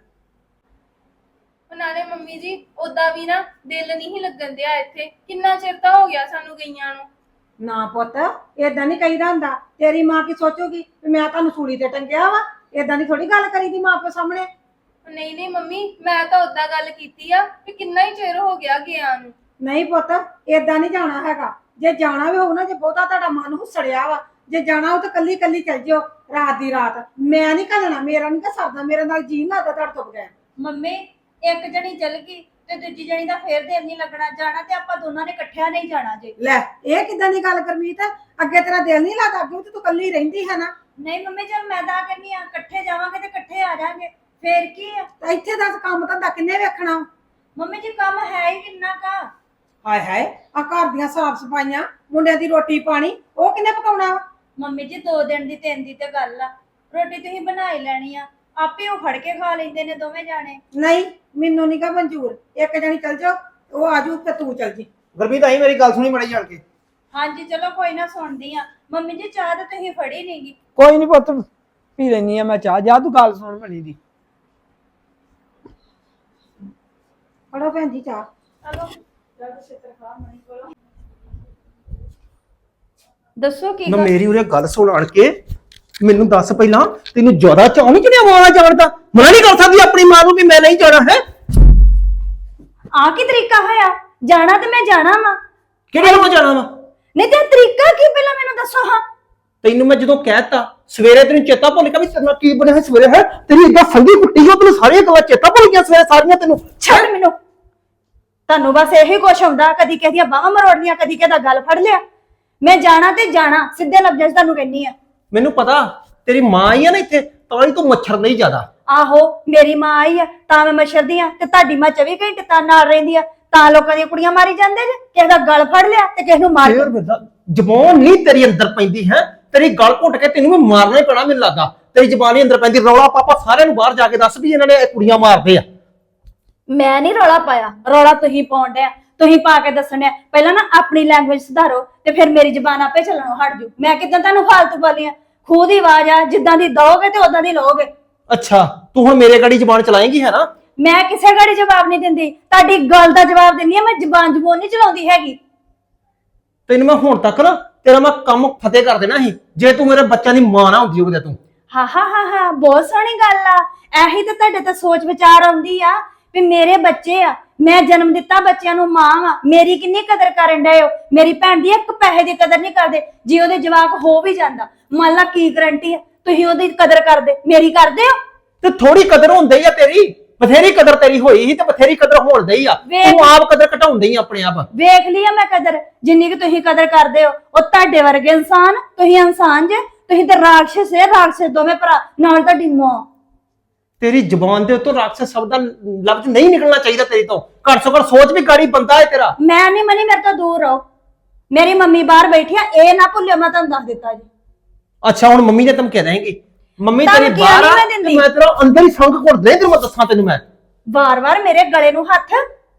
ਨਾਲੇ ਮੰਮੀ ਜੀ ਉਦਾਂ ਵੀ ਨਾ ਦਿਲ ਨਹੀਂ ਲੱਗਣ ਦਿਆ ਇੱਥੇ, ਕਿੰਨਾ ਚਿਰ ਤਾਂ ਹੋ ਗਿਆ ਸਾਨੂੰ ਗਈਆਂ ਨੂੰ। ਨਾ ਪੁੱਤ ਏਦਾਂ ਨਹੀਂ ਕਹੀਦਾ ਹੁੰਦਾ, ਤੇਰੀ ਮਾਂ ਕੀ ਸੋਚੂਗੀ ਵੀ ਮੈਂ ਤੁਹਾਨੂੰ ਸੂਲੀ ਤੇ ਟੰਗਿਆ ਵਾ? ਏਦਾਂ ਦੀ ਥੋੜੀ ਗੱਲ ਕਰੀਦੀ ਮਾਂ ਪਿਓ ਸਾਹਮਣੇ। ਨਹੀਂ ਮੰਮੀ, ਮੈਂ ਤਾਂ ਉਦਾਂ ਗੱਲ ਕੀਤੀ ਆ ਕਿ ਕਿੰਨਾ ਹੀ ਚਿਰ ਹੋ ਗਿਆ ਗਿਆ ਨੂੰ। ਨਹੀਂ ਪੁੱਤ ਏਦਾਂ ਨਹੀਂ ਜਾਣਾ ਹੈਗਾ, ਜੇ ਜਾਣਾ ਵੀ ਹੋਊ ਨਾ, ਜੇ ਬਹੁਤਾ ਤੁਹਾਡਾ ਮਨ ਹੁਸੜਿਆ ਵਾ, ਜੇ ਜਾਣਾ ਉਹ ਤਾਂ ਕੱਲੀ ਕੱਲੀ ਚੱਲ ਜਿਓ ਰਾਤ ਦੀ ਰਾਤ। ਮੈਂ ਨਹੀਂ ਘੱਲਣਾ, ਮੇਰਾ ਨਹੀਂ ਸਰਦਾ, ਮੇਰੇ ਨਾਲ ਜੀ ਨਹੀਂ ਲੱਗਦਾ ਤੁਹਾਡੇ ਤੋਂ ਬਗੈਰ। ਮੰਮੀ ਇੱਕ ਜਣੀ ਚਲ ਗਈ ਤੇ ਦੂਜੀ ਜਣੀ ਦਾ ਫੇਰ ਦਿਲ ਨਹੀਂ ਲੱਗਣਾ। ਜਾਣਾ ਤੇ ਆਪਾਂ ਦੋਨਾਂ ਨੇ ਇਕੱਠਿਆਂ ਨਹੀਂ ਜਾਣਾ ਜੇ। ਲੈ ਇਹ ਕਿਦਾਂ ਦੀ ਗੱਲ ਕਰਮੀਤ, ਅੱਗੇ ਤੇਰਾ ਦਿਲ ਨਹੀਂ ਲੱਗਦਾ? ਅੱਗੇ ਤੇ ਤੂੰ ਕੱਲੀ ਰਹਿੰਦੀ ਹੈ ਨਾ। ਨਹੀਂ ਮੰਮੀ, ਜਦ ਮੈਂ ਤਾਂ ਕਹਿੰਦੀ ਆ ਇਕੱਠੇ ਜਾਵਾਂਗੇ ਤੇ ਇਕੱਠੇ ਆ ਜਾਾਂਗੇ, ਫੇਰ ਕੀ ਆ? ਤੇ ਇੱਥੇ ਦੱਸ ਕੰਮ ਧੰਦਾ ਕਿੰਨੇ ਵੇਖਣਾ? ਮੰਮੀ ਜੀ ਕੰਮ ਹੈ ਹੀ ਕਿੰਨਾ ਕਾ। ਹਾਏ ਹਾਏ, ਆ ਘਰ ਦੀਆਂ ਸਾਫ ਸਫਾਈਆਂ, ਮੁੰਡਿਆਂ ਦੀ ਰੋਟੀ ਪਾਣੀ, ਉਹ ਕਿੰਨੇ ਪਕਾਉਣਾ ਵਾ? ਮੰਮੀ ਜੀ 2 ਦਿਨ ਦੀ 3 ਦੀ ਤੇ ਗੱਲ ਆ, ਰੋਟੀ ਤੁਸੀਂ ਬਣਾ ਹੀ ਲੈਣੀ ਆ, ਆਪੇ ਉਹ ਫੜ ਕੇ ਖਾ ਲੈਂਦੇ ਨੇ ਦੋਵੇਂ ਜਾਣੇ। ਨਹੀਂ, ਮੈਨੂੰ ਨਹੀਂ ਗਾ ਮਨਜ਼ੂਰ। ਇੱਕ ਜਣੀ ਚੱਲ ਜਾਓ, ਉਹ ਆਜੂ ਤੇ ਤੂੰ ਚੱਲ ਜੀ। ਗੁਰਪ੍ਰੀਤ ਆਈ ਮੇਰੀ ਗੱਲ ਸੁਣੀ ਮੜੀ ਜਾਣ ਕੇ। ਹਾਂਜੀ ਚਲੋ ਕੋਈ ਨਾ, ਸੁਣਦੀ ਆ। ਮੰਮੀ ਜੀ ਚਾਹ ਤਾਂ ਤੁਸੀਂ ਫੜੀ ਨਹੀਂਗੀ। ਕੋਈ ਨਹੀਂ ਪੁੱਤ, ਪੀ ਲੈਣੀ ਆ ਮੈਂ ਚਾਹ। ਜਾ ਤੂੰ ਗੱਲ ਸੁਣ ਬਣੀ ਦੀ। ਫੜੋ ਭੈਣ ਜੀ ਚਾਹ। ਚਲੋ ਜਦ ਛੇਤਰ ਖਾ ਮਣੀ ਕੋਲੋਂ। ਦੱਸੋ ਕੀ ਮੈਂ ਗੱਲ? ਮੇਰੀ ਉਰੇ ਗੱਲ ਸੁਣ ਆਣ ਕੇ ਮੈਨੂੰ ਦੱਸ ਪਹਿਲਾਂ, ਤੈਨੂੰ ਜ਼ਿਆਦਾ ਚਾਹ ਨਹੀਂ ਚੜਿਆ ਮਾਂ ਜਾਣ ਦਾ? ਮਨਾ ਨਹੀਂ ਕਰ ਸਕਦੀ ਆਪਣੀ ਮਾਂ ਨੂੰ ਵੀ ਮੈਂ ਨਹੀਂ ਜਾਣਾ ਹੈ? ਆ ਕੀ ਤਰੀਕਾ ਹੋਇਆ? ਜਾਣਾ ਤੇ ਮੈਂ ਜਾਣਾ ਵਾ। ਕਿਹੜੇ ਨੂੰ ਜਾਣਾ ਵਾ? ਨਹੀਂ ਤੇ ਤਰੀਕਾ ਕੀ, ਪਹਿਲਾਂ ਮੈਨੂੰ ਦੱਸੋ। ਹਾਂ ਤੈਨੂੰ ਮੈਂ ਜਦੋਂ ਕਹਿਤਾ ਸਵੇਰੇ ਤੈਨੂੰ ਚੇਤਾ ਭੁੱਲ ਗਿਆ ਵੀ ਤੇਰੇ ਨਾਲ ਕੀ ਬਣਿਆ ਹੈ ਸਵੇਰੇ, ਹੈ ਤੇਰੀ ਇਦਾਂ ਸੰਗੀ ਕੁੱਟੀ ਹੋ, ਤੈਨੂੰ ਸਾਰੀਆਂ ਗੱਲਾਂ ਚੇਤਾ ਭੁੱਲ ਗਈਆਂ ਸਵੇਰੇ ਸਾਰੀਆਂ ਤੈਨੂੰ। ਛੱਡ ਮੈਨੂੰ, ਤੁਹਾਨੂੰ ਬਸ ਇਹੀ ਕੁਛ ਹੁੰਦਾ, ਕਦੀ ਕਿਸੇ ਦੀਆਂ ਬਾਹਾਂ ਮਰੋੜਨੀਆਂ, ਕਦੀ ਕਿਸੇ ਦਾ ਗਲ ਫੜ ਲਿਆ। ਮੈਂ ਜਾਣਾ ਤੇ ਜਾਣਾ, ਸਿੱਧੇ ਲਫ਼ਜ਼ਾਂ 'ਚ ਤੁਹਾਨੂੰ ਕਹਿੰਨੀ ਆ। ਮੈਨੂੰ ਪਤਾ ਤੇਰੀ ਮਾਂ ਆਈ ਆ ਨਾ ਇੱਥੇ, ਤਾਂ ਹੀ ਤੂੰ ਮੱਛਰ ਨਹੀਂ ਜ਼ਿਆਦਾ। ਆਹੋ ਮੇਰੀ ਮਾਂ ਆਈ ਆ ਤਾਂ ਮੈਂ ਮੱਛਰਦੀ ਆ, ਤੇ ਤੁਹਾਡੀ ਮਾਂ 24 ਘੰਟੇ ਤਾਂ ਨਾਲ ਰਹਿੰਦੀ ਆ, ਤਾਂ ਲੋਕਾਂ ਦੀਆਂ ਕੁੜੀਆਂ ਮਾਰੀ ਜਾਂਦੇ ਜੇ। ਕਿਸੇ ਦਾ ਗਲ ਫੜ ਲਿਆ ਤੇ ਕਿਸੇ ਨੂੰ ਮਾਰ ਫੇਰ ਬਿਰਦਾ ਜ਼ਬਾਨ ਨਹੀਂ ਤੇਰੀ ਅੰਦਰ ਪੈਂਦੀ ਹੈ, ਤੇਰੀ ਗਲ ਘੁੱਟ ਕੇ ਤੈਨੂੰ ਵੀ ਮਾਰਨਾ ਹੀ ਪੈਣਾ ਮੈਨੂੰ ਲੱਗਦਾ। ਤੇਰੀ ਜ਼ਬਾਨ ਹੀ ਅੰਦਰ ਪੈਂਦੀ। ਰੌਲਾ ਪਾਪਾ ਸਾਰਿਆਂ ਨੂੰ ਬਾਹਰ ਜਾ ਕੇ ਦੱਸ ਵੀ ਇਹਨਾਂ ਨੇ ਕੁੜੀਆਂ ਮਾਰਦੇ ਆ। ਮੈਂ ਨਹੀਂ ਰੌਲਾ ਪਾਇਆ, ਰੌਲਾ ਤੁਸੀਂ ਪਾਉਣ ਡਿਆ, ਤੁਸੀਂ ਪਾ ਕੇ ਦੱਸਣਿਆ। ਪਹਿਲਾਂ ਨਾ ਆਪਣੀ ਲੈਂਗੁਏਜ ਸੁਧਾਰੋ ਤੇ ਫਿਰ ਮੇਰੀ ਜ਼ਬਾਨ ਆਪੇ ਚੱਲਣੋਂ ਹਟ ਜੂ। ਮੈਂ ਕਿਦਾਂ ਤੁਹਾਨੂੰ ਫਾਲਤੂ ਬੋਲੀਆਂ? ਖੂਹ ਦੀ ਆਵਾਜ਼ ਆ, ਜਿੱਦਾਂ ਦੀ ਦਓਗੇ ਤੇ ਉਦਾਂ ਦੀ ਲਓਗੇ। ਅੱਛਾ ਤੂੰ ਹੁਣ ਮੇਰੇ ਗਾੜੀ ਜ਼ਬਾਨ ਚਲਾਏਂਗੀ ਹੈ ਨਾ? ਮੈਂ ਕਿਸੇ ਗਾੜੀ ਜਵਾਬ ਨਹੀਂ ਦਿੰਦੀ, ਤੁਹਾਡੀ ਗੱਲ ਦਾ ਜਵਾਬ ਦਿੰਦੀ ਆ। ਮੈਂ ਜ਼ਬਾਨ ਨਹੀਂ ਚਲਾਉਂਦੀ ਹੈਗੀ। ਤੈਨੂੰ ਮੈਂ ਹੁਣ ਤੱਕ ਨਾ ਤੇਰਾ ਮੈਂ ਕੰਮ ਫਤਿਹ ਕਰ ਦੇਣਾ ਸੀ ਜੇ ਤੂੰ ਮੇਰੇ ਬੱਚਿਆਂ ਦੀ ਮਾਂ ਨਾ ਹੁੰਦੀ ਉਹਦੇ। ਤੂੰ ਹਾਂ ਬਹੁਤ ਸੋਹਣੀ ਗੱਲ ਆ। ਇਹੀ ਤਾਂ ਤੁਹਾਡੇ ਤੇ ਸੋਚ ਵਿਚਾਰ ਆਉਂਦੀ ਆ ਵੀ ਮੇਰੇ ਬੱਚੇ ਆ, ਮੈਂ ਜਨਮ ਦਿੱਤਾ, ਬੱਚਿਆਂ ਨੂੰ ਮਾਂ ਆ, ਮੇਰੀ ਕਿੰਨੀ ਕਦਰ ਕਰਨ ਡਏ ਹੋ। ਮੇਰੀ ਭੈਣ ਦੀ ਇੱਕ ਪੈਸੇ ਦੀ ਕਦਰ ਨਹੀਂ ਕਰਦੇ। ਜੇ ਉਹਦੇ ਜਵਾਕ ਹੋ ਵੀ ਜਾਂਦਾ, ਮੰਨ ਲਾ ਕੀ ਗਰੰਟੀ ਆ ਤੁਸੀਂ ਉਹਦੀ ਕਦਰ ਕਰਦੇ, ਮੇਰੀ ਕਰਦੇ ਹੋ? ਤੇ ਥੋੜੀ ਕਦਰ ਹੁੰਦੀ ਆ ਤੇਰੀ, ਬਥੇਰੀ ਕਦਰ ਤੇਰੀ ਹੋਈ ਸੀ ਤੇ ਬਥੇਰੀ ਕਦਰ ਹੋਣ ਡਈ ਆ। ਤੂੰ ਆਪ ਕਦਰ ਘਟਾਉਂਦੀ ਆ ਆਪਣੇ ਆਪ। ਵੇਖ ਲਿਆ ਮੈਂ ਕਦਰ, ਜਿੰਨੀ ਕਿ ਤੁਸੀਂ ਕਦਰ ਕਰਦੇ ਹੋ। ਉਹ ਤੁਹਾਡੇ ਵਰਗੇ ਇਨਸਾਨ, ਤੁਸੀਂ ਇਨਸਾਨ ਜੇ, ਤੁਸੀਂ ਤੇ ਰਾਖਸ਼ ਹੈ, ਰਾਖਸ਼ ਦੋਵੇਂ ਭਰਾ ਨਾਲ ਤੁਹਾਡੀ ਮਾਂ। ਤੇਰੀ ਜ਼ਬਾਨ ਦੇ ਉੱਤੋਂ ਰਾਖਸ਼ ਸ਼ਬਦ ਦਾ ਲਫ਼ਜ਼ ਨਹੀਂ ਨਿਕਲਣਾ ਚਾਹੀਦਾ ਤੇਰੀ ਤੋਂ। ਘੱਟ ਤੋਂ ਘੱਟ ਸੋਚ ਵੀ ਗਾੜੀ ਬੰਦਾ ਹੈ ਤੇਰਾ। ਮੈਂ ਨਹੀਂ ਮਨੀ, ਮੇਰੇ ਤੋਂ ਦੂਰ ਰਹੋ। ਮੇਰੀ ਮੰਮੀ ਬਾਹਰ ਬੈਠੀ ਆ, ਇਹ ਨਾ ਭੁੱਲਿਓ, ਮੈਂ ਤੁਹਾਨੂੰ ਦੱਸ ਦਿੱਤਾ ਜੀ। ਅੱਛਾ ਹੁਣ ਮੰਮੀ ਨੇ ਧਮਕੀਆਂ ਦੇਂਗੀ? ਮੰਮੀ ਤੇਰੀ ਧਮਕੀਆਂ ਬਾਹਰ ਨਹੀਂ ਆ ਮੈਂ ਤੇ ਦਿੰਦੀ। ਮੈਂ ਤੇਰਾ ਅੰਦਰ ਹੀ ਸੰਗ ਘੁੱਟ ਦੇ। ਤੈਨੂੰ ਮੈਂ ਦੱਸਾਂ, ਤੈਨੂੰ ਮੈਂ ਵਾਰ-ਵਾਰ ਮੇਰੇ ਗਲੇ ਨੂੰ ਹੱਥ,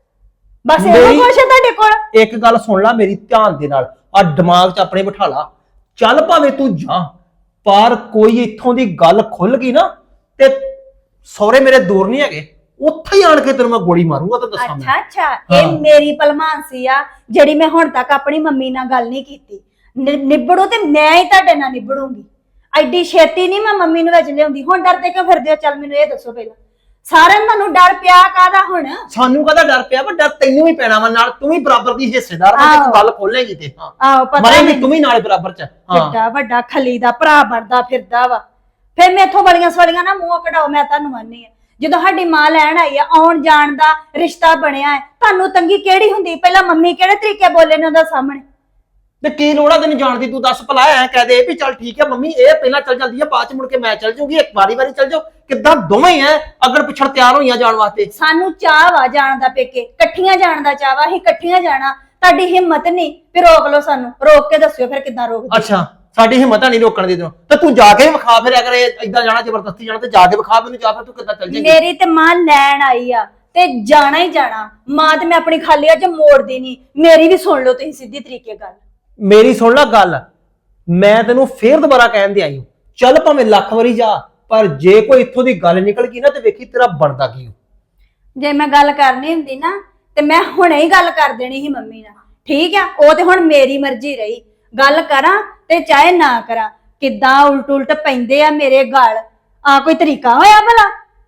ਬਸ ਇਹੋ ਮੇਰੀ- ਕੁਛ ਹੈ ਤੁਹਾਡੇ ਕੋਲ। ਇੱਕ ਗੱਲ ਸੁਣ ਲੈ ਮੇਰੀ ਧਿਆਨ ਦੇ ਨਾਲ, ਆ ਦਿਮਾਗ 'ਚ ਆਪਣੇ ਬਿਠਾ ਲਾ। ਚੱਲ ਭਾਵੇਂ ਤੂੰ ਜਾ, ਪਰ ਕੋਈ ਇੱਥੋਂ ਦੀ ਗੱਲ ਖੁੱਲ ਗਈ ਨਾ ਤੇ ਸਹੁਰੇ ਮੇਰੇ ਦੂਰ ਨਹੀਂ ਹੈਗੇ, ਉੱਥੇ ਹੀ ਆਣ ਕੇ ਤੈਨੂੰ ਮੈਂ ਗੋਲੀ ਮਾਰੂੰਗਾ। ਤਾਂ ਦੱਸਾਂ ਮੈਂ ਅੱਛਾ ਹਾਂ। ਇਹ ਮੇਰੀ ਭਲਮਾਨਸੀ ਆ ਜਿਹੜੀ ਮੈਂ ਹੁਣ ਤੱਕ ਆਪਣੀ ਮੰਮੀ ਨਾਲ ਗੱਲ ਨਹੀਂ ਕੀਤੀ। ਨਿਬੜੋ ਤੇ ਮੈਂ ਹੀ ਤੁਹਾਡੇ ਨਾਲ ਨਿਬੜੂੰਗੀ। ਐਡੀ ਛੇਤੀ ਨਹੀਂ ਮੈਂ ਮੰਮੀ ਨੂੰ ਵਿੱਚ ਲਿਆਉਂਦੀ। ਹੁਣ ਡਰਦੇ ਕਿਉਂ ਫਿਰਦੇ ਹੋ? ਚੱਲ ਮੈਨੂੰ ਇਹ ਦੱਸੋ ਪਹਿਲਾਂ, ਸਾਰਿਆਂ ਨੂੰ ਤੁਹਾਨੂੰ ਡਰ ਪਿਆ ਕਾਹਦਾ ਹੁਣ? ਸਾਨੂੰ ਕਾਹਦਾ ਡਰ ਪਿਆ ਵਾ? ਡਰ ਤੈਨੂੰ ਵੀ ਪੈਣਾ ਵਾ ਨਾਲ। ਤੂੰ ਵੀ ਬਰਾਬਰ ਦੀ ਹਿੱਸੇਦਾਰ ਵਾ। ਜੇ ਤੂੰ ਗੱਲ ਖੋਲੇਗੀ ਤੇ ਹਾਂ ਆਹੋ ਪਤਾ ਮਰੇਂਗੀ ਮੈਨੂੰ। ਤੂੰ ਵੀ ਨਾਲ ਬਰਾਬਰ 'ਚ। ਹਾਂ ਵੱਡਾ ਵੱਡਾ ਖਲੀ ਦਾ ਭਰਾ ਬਣਦਾ ਫਿਰਦਾ ਵਾ। ਫਿਰ ਮੈਥੋਂ ਬੜੀਆਂ ਸਵਲੀਆਂ ਨਾ ਮੂੰਹ ਕਢਾਓ, ਮੈਂ ਤੁਹਾਨੂੰ ਆਨੀ ਆ। ਜਦੋਂ ਸਾਡੀ ਮਾਂ ਲੈਣ ਆਈ ਆ, ਆਉਣ ਜਾਣ ਦਾ ਰਿਸ਼ਤਾ ਬਣਿਆ ਹੈ, ਤੁਹਾਨੂੰ ਤੰਗੀ ਕਿਹੜੀ ਹੁੰਦੀ? ਪਹਿਲਾਂ ਮੰਮੀ ਕਿਹੜੇ ਤਰੀਕੇ ਬੋਲੇ ਨੇ ਉਹਦਾ ਸਾਹਮਣੇ? ਤੇ ਕੀ ਲੋੜ ਆ ਤੈਨੂੰ ਜਾਣ ਦੀ? ਤੂੰ ਦੱਸ ਭਲਾ, ਐ ਕਹਿ ਦੇ ਵੀ ਚੱਲ ਠੀਕ ਹੈ ਮੰਮੀ ਇਹ ਪਹਿਲਾਂ ਚੱਲ ਜਾਂਦੀ ਹੈ, ਬਾਅਦ ਚ ਮੁੜ ਕੇ ਮੈਂ ਚੱਲ ਜਾਊਂਗੀ। ਇੱਕ ਵਾਰੀ ਚੱਲ ਜਾਓ। ਕਿੱਦਾਂ ਦੋਵੇਂ ਹੀ ਐ ਅਗਰ ਪਿਛੜ ਤਿਆਰ ਹੋਈਆਂ ਜਾਣ ਵਾਸਤੇ? ਸਾਨੂੰ ਚਾਹ ਵਾ ਜਾਣ ਦਾ, ਪੇਕੇ ਇਕੱਠੀਆਂ ਜਾਣ ਦਾ ਚਾਹ ਵਾ, ਅਸੀਂ ਇਕੱਠੀਆਂ ਜਾਣਾ। ਤੁਹਾਡੀ ਹਿੰਮਤ ਨਹੀਂ, ਫਿਰ ਰੋਕ ਲਓ ਸਾਨੂੰ। ਰੋਕ ਕੇ ਦੱਸਿਓ ਫਿਰ ਕਿੱਦਾਂ ਰੋਕਦੇ। ਅੱਛਾ ਸਾਡੀ ਹਿੰਮਤ ਨਹੀਂ ਰੋਕਣ ਦੀ ਤੈਨੂੰ। ਤੇ ਤੂੰ ਜਾ ਕੇ ਵੀ ਵਿਖਾ ਫਿਰ, ਅਗਰ ਏਦਾਂ ਜਾਣਾ ਜ਼ਬਰਦਸਤੀ ਜਾਣਾ ਤੇ ਜਾ ਕੇ ਵਿਖਾ ਮੈਨੂੰ। ਜਾ ਫਿਰ ਤੂੰ ਕਿੱਦਾਂ ਚੱਲ ਜਾਏਂਗੀ? ਮੇਰੀ ਤੇ ਮਾਂ ਲੈਣ ਆਈ ਆ ਤੇ ਜਾਣਾ ਹੀ ਜਾਣਾ। ਮਾਂ ਤੇ ਮੈਂ ਆਪਣੀ ਖਾਲੀ ਅੱਜ ਮੋੜਦੀ ਨਹੀਂ। ਮੇਰੀ ਵੀ ਸੁਣ ਲਓ ਤੁਸੀਂ ਸਿੱਧੀ ਤਰੀਕੇ ਗੱਲ। ਮੇਰੀ ਸੁਣ ਲੈ ਗੱਲ, ਮੈਂ ਤੈਨੂੰ ਫੇਰ ਦੁਬਾਰਾ ਕਹਿਣ ਦੇ ਆਈ ਹਾਂ, ਚੱਲ ਭਾਵੇਂ ਲੱਖ ਵਾਰੀ ਜਾ, ਪਰ ਜੇ ਕੋਈ ਇੱਥੋਂ ਦੀ ਗੱਲ ਨਿਕਲ ਗਈ ਨਾ ਤੇ ਵੇਖੀ ਤੇਰਾ ਬਣਦਾ ਕੀ ਹੋ। ਜੇ ਮੈਂ ਗੱਲ ਕਰਨੀ ਹੁੰਦੀ ਨਾ ਤੇ ਮੈਂ ਹੁਣੇ ਹੀ ਗੱਲ ਕਰ ਦੇਣੀ ਸੀ ਮੰਮੀ ਨਾਲ। ਠੀਕ ਆ, ਉਹ ਤੇ ਹੁਣ ਮੇਰੀ ਮਰਜ਼ੀ ਰਹੀ। ਗੱਲ ਕਰਾਂ ਤੇ ਚਾਹੇ ਨਾ ਕਰਾਂ। ਕਿੱਦਾਂ ਉਲਟ ਉਲਟ ਪੈਂਦੇ ਆ ਮੇਰੇ ਗਲ। ਆ ਕੋਈ ਤਰੀਕਾ ਹੋਇਆ ਭਲਾ?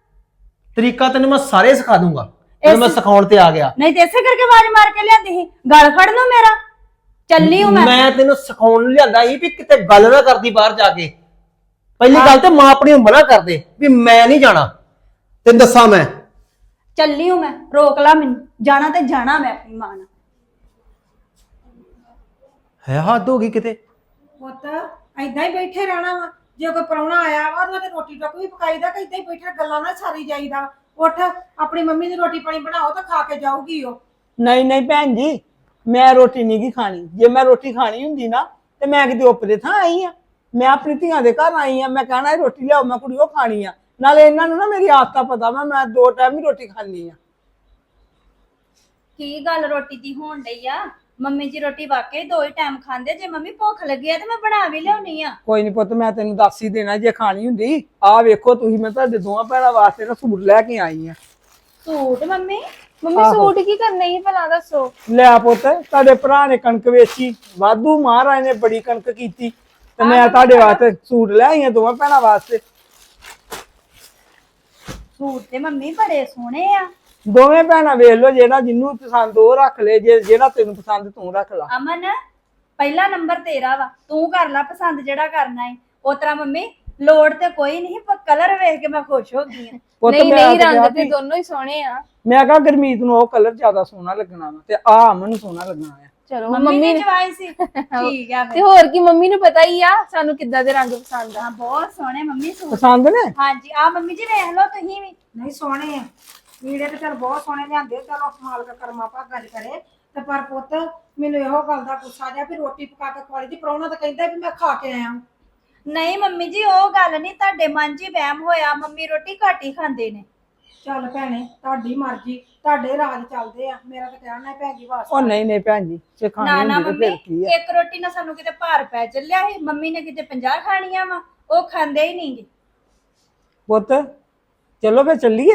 ਤਰੀਕਾ ਤੈਨੂੰ ਮੈਂ ਸਾਰੇ ਸਿਖਾ ਦੂੰਗਾ ਜਦੋਂ ਮੈਂ ਸਿਖਾਉਣ ਤੇ ਆ ਗਿਆ। ਨਹੀਂ ਤੇ ਇਸੇ ਕਰਕੇ ਆਵਾਜ਼ ਮਾਰ ਕੇ ਲਿਆਂਦੀ ਸੀ, ਗਲ ਫੜ ਲਓ ਮੇਰਾ। ਚੱਲੀ ਹੂੰ ਮੈਂ ਤੈਨੂੰ ਸਿਖਾਉਣ ਨੂੰ ਲਿਆਂਦਾ ਸੀ ਵੀ ਕਿਤੇ ਗੱਲ ਨਾ ਕਰਦੀ ਬਾਹਰ ਜਾ ਕੇ। ਪਹਿਲੀ ਗੱਲ ਤੇ ਮਾਂ ਆਪਣੀ ਨੂੰ ਮਨਾ ਕਰਦੇ ਵੀ ਮੈਂ ਨਹੀਂ ਜਾਣਾ। ਤੈਨੂੰ ਦੱਸਾਂ ਮੈਂ ਚੱਲੀ ਹੂੰ ਮੈਂ, ਰੋਕ ਲਾ ਮੈਨੂੰ। ਜਾਣਾ ਤੇ ਜਾਣਾ ਮੈਂ ਆਪਣੀ ਮਾਂ ਨਾਲ। ਹੈ ਹੱਦ ਹੋ ਗਈ ਕਿਤੇ। ਪੁੱਤ ਏਦਾਂ ਹੀ ਬੈਠੇ ਰਹਿਣਾ ਵਾ? ਜੇ ਕੋਈ ਪ੍ਰਾਹੁਣਾ ਆਇਆ ਵਾ ਉਹਨਾਂ ਦੇ ਰੋਟੀ ਟੁੱਕ ਵੀ ਪਕਾਈਦਾ ਕਿ ਏਦਾਂ ਹੀ ਬੈਠੇ ਗੱਲਾਂ ਨਾਲ ਸਾਰੀ ਜਾਈਦਾ। ਉੱਠ ਆਪਣੀ ਮੰਮੀ ਦੀ ਰੋਟੀ ਪਾਣੀ ਬਣਾਓ ਤਾਂ ਖਾ ਕੇ ਜਾਊਗੀ ਉਹ। ਨਹੀਂ ਨਹੀਂ ਭੈਣ ਜੀ, ਮੈਂ ਰੋਟੀ ਨਹੀਂ ਗੀ ਖਾਣੀ। ਜੇ ਮੈਂ ਰੋਟੀ ਖਾਣੀ ਹੁੰਦੀ ਨਾ ਤੇ ਮੈਂ ਕਿਤੇ ਉੱਪਰੇ ਥਾਂ ਆਈ ਆ। ਮੈਂ ਆਪਣੀ ਧੀਆਂ ਦੇ ਘਰ ਆਈ ਆ, ਮੈਂ ਕਹਿਣਾ ਇਹ ਰੋਟੀ ਲਿਆਓ, ਮੈਂ ਕੁੜੀ ਉਹ ਖਾਣੀ ਆ। ਨਾਲੇ ਇਹਨਾਂ ਨੂੰ ਨਾ ਮੇਰੀ ਆਦਤਾਂ ਪਤਾ ਵਾ, ਮੈਂ 2 ਟਾਈਮ ਹੀ ਰੋਟੀ ਖਾਣੀ ਆ। ਕੀ ਗੱਲ ਰੋਟੀ ਦੀ ਹੋਣ ਡਈ ਆ? ਮੰਮੀ ਜੀ ਰੋਟੀ ਵਾਕਈ 2 ਹੀ ਟਾਈਮ ਖਾਂਦੇ। ਜੇ ਮੰਮੀ ਭੁੱਖ ਲੱਗੀ ਆ ਤੇ ਮੈਂ ਬਣਾ ਵੀ ਲਿਆਉਣੀ ਆ। ਕੋਈ ਨਹੀਂ ਪੁੱਤ, ਮੈਂ ਤੈਨੂੰ ਦੱਸ ਹੀ ਦੇਣਾ ਜੇ ਖਾਣੀ ਹੁੰਦੀ। ਆਹ ਵੇਖੋ ਤੁਸੀਂ, ਮੈਂ ਤੁਹਾਡੇ ਦੋਵਾਂ ਭੈਣਾਂ ਵਾਸਤੇ ਨਾ ਸੂਟ ਲੈ ਕੇ ਆਈ ਆ। Suit mummy? ਮੰਮੀ ਸੂਟ ਕੀ ਕਰਨੇ ਸੀ ਭਲਾ ਦੱਸੋ? ਲੈ ਪੁੱਤ, ਤੁਹਾਡੇ ਭਰਾ ਨੇ ਕਣਕ ਵੇਚੀ, ਵਾਧੂ ਮਹਾਰਾਜ ਨੇ ਬੜੀ ਕਣਕ ਕੀਤੀ ਤੇ ਮੈਂ ਤੁਹਾਡੇ ਵਾਸਤੇ ਸੂਟ ਲੈ ਆਈ ਆ, ਦੋਵਾਂ ਭੈਣਾਂ ਵਾਸਤੇ। ਸੂਟ ਤੇ ਮੰਮੀ ਬੜੇ ਸੋਹਣੇ ਆ। ਦੋਵੇਂ ਭੈਣਾਂ ਵੇਖ ਲਓ, ਜਿਹੜਾ ਜਿਹਨੂੰ ਪਸੰਦ ਉਹ ਰੱਖ ਲੈ, ਜੇ ਜਿਹੜਾ ਤੈਨੂੰ ਪਸੰਦ ਤੂੰ ਰੱਖ ਲਾ। ਅਮਨ, ਪਹਿਲਾ ਨੰਬਰ ਤੇਰਾ ਵਾ, ਤੂੰ ਕਰ ਲੈ ਪਸੰਦ ਜਿਹੜਾ ਕਰਨਾ ਹੈ। ਉਤਰਾ ਮੰਮੀ ਲੋੜ ਤੇ ਕੋਈ ਨਹੀਂ, ਪਰ ਕਲਰ ਵੇਖ ਕੇ ਮੈਂ ਖੁਸ਼ ਹੋ ਗਈ ਆ। ਪੁੱਤ ਨਹੀਂ ਮੈਂ ਨਹੀਂ, ਤਾਂ ਕਿਹਾ ਰੰਗ ਤੇ ਵੀ- ਦੋਨੋਂ ਹੀ ਸੋਹਣੇ ਆ। ਮੈਂ ਕਿਹਾ ਗੁਰਮੀਤ ਨੂੰ ਉਹ ਕਲਰ ਜ਼ਿਆਦਾ ਸੋਹਣਾ ਲੱਗਣਾ ਵਾ ਤੇ ਆ ਅਮਨ ਨੂੰ ਸੋਹਣਾ ਲੱਗਣਾ ਆ। ਚਲੋ ਮੰਮੀ ਮੰਮੀ ਨੇ ਜਵਾਈ ਸੀ। ਠੀਕ ਆ ਤੇ ਫਿਰ। ਹੋਰ ਕੀ, ਮੰਮੀ ਨੂੰ ਪਤਾ ਹੀ ਆ ਸਾਨੂੰ ਕਿੱਦਾਂ ਦੇ ਰੰਗ ਪਸੰਦ ਆ। ਹਾਂ, ਬਹੁਤ ਸੋਹਣੇ ਮੰਮੀ ਸੂਟ। ਪਸੰਦ ਨੇ? ਹਾਂਜੀ, ਆ ਮੰਮੀ ਜੀ ਵੇਖ ਲਓ ਤੁਸੀਂ ਵੀ। ਨਹੀਂ ਸੋਹਣੇ ਆ ਵੀੜੇ ਤੇ ਚਲ ਬਹੁਤ ਸੋਹਣੇ ਲਿਆਂਦੇ। ਚਲੋ ਮਾਲਕ ਕਰਮਾ ਭਾਗਾਂ ਚ ਕਰੇ। ਤੇ ਪਰ ਪੁੱਤ ਮੈਨੂੰ ਇਹੋ ਗੱਲ ਦਾ ਗੁੱਸਾ ਜਿਹਾ ਵੀ ਰੋਟੀ ਪਕਾ ਕੇ ਖਵਾਲੀ ਦੀ। ਪ੍ਰਾਹੁਣਾ ਤਾਂ ਕਹਿੰਦਾ ਵੀ ਮੈਂ ਖਾ ਕੇ ਆਇਆ। ਨਹੀਂ ਮੰਮੀ ਜੀ, ਉਹ ਗੱਲ ਨਹੀਂ, ਤੁਹਾਡੇ ਮਨ 'ਚ ਹੀ ਵਹਿਮ ਹੋਇਆ। ਮੰਮੀ ਰੋਟੀ ਘੱਟ ਹੀ ਖਾਂਦੇ ਨੇ। ਚੱਲ ਭੈਣੇ, ਤੁਹਾਡੀ ਮਰਜ਼ੀ, ਤੁਹਾਡੇ ਰਾਜ ਚੱਲਦੇ ਆ। ਮੇਰਾ ਤਾਂ ਕਹਿਣਾ ਹੈ ਭੈਣ ਜੀ ਵਾਸਤੇ। ਉਹ ਨਹੀਂ ਨਹੀਂ ਭੈਣ ਜੀ, ਜੇ ਨਾ ਖਾਣੀ ਨਾ ਹੁੰਦੀ ਤੇ ਮੰਮੀ, ਫਿਰ ਕੀ ਆ। ਇੱਕ ਰੋਟੀ ਨਾਲ ਸਾਨੂੰ ਕਿਤੇ ਭਾਰ ਪੈ ਚੱਲਿਆ ਸੀ। ਮੰਮੀ ਨੇ ਕਿਤੇ 50 ਖਾਣੀਆਂ ਵਾ, ਉਹ ਖਾਂਦੇ ਹੀ ਨਹੀਂਗੇ। ਪੁੱਤ ਚਲੋ ਫੇ ਚੱਲੀਏ।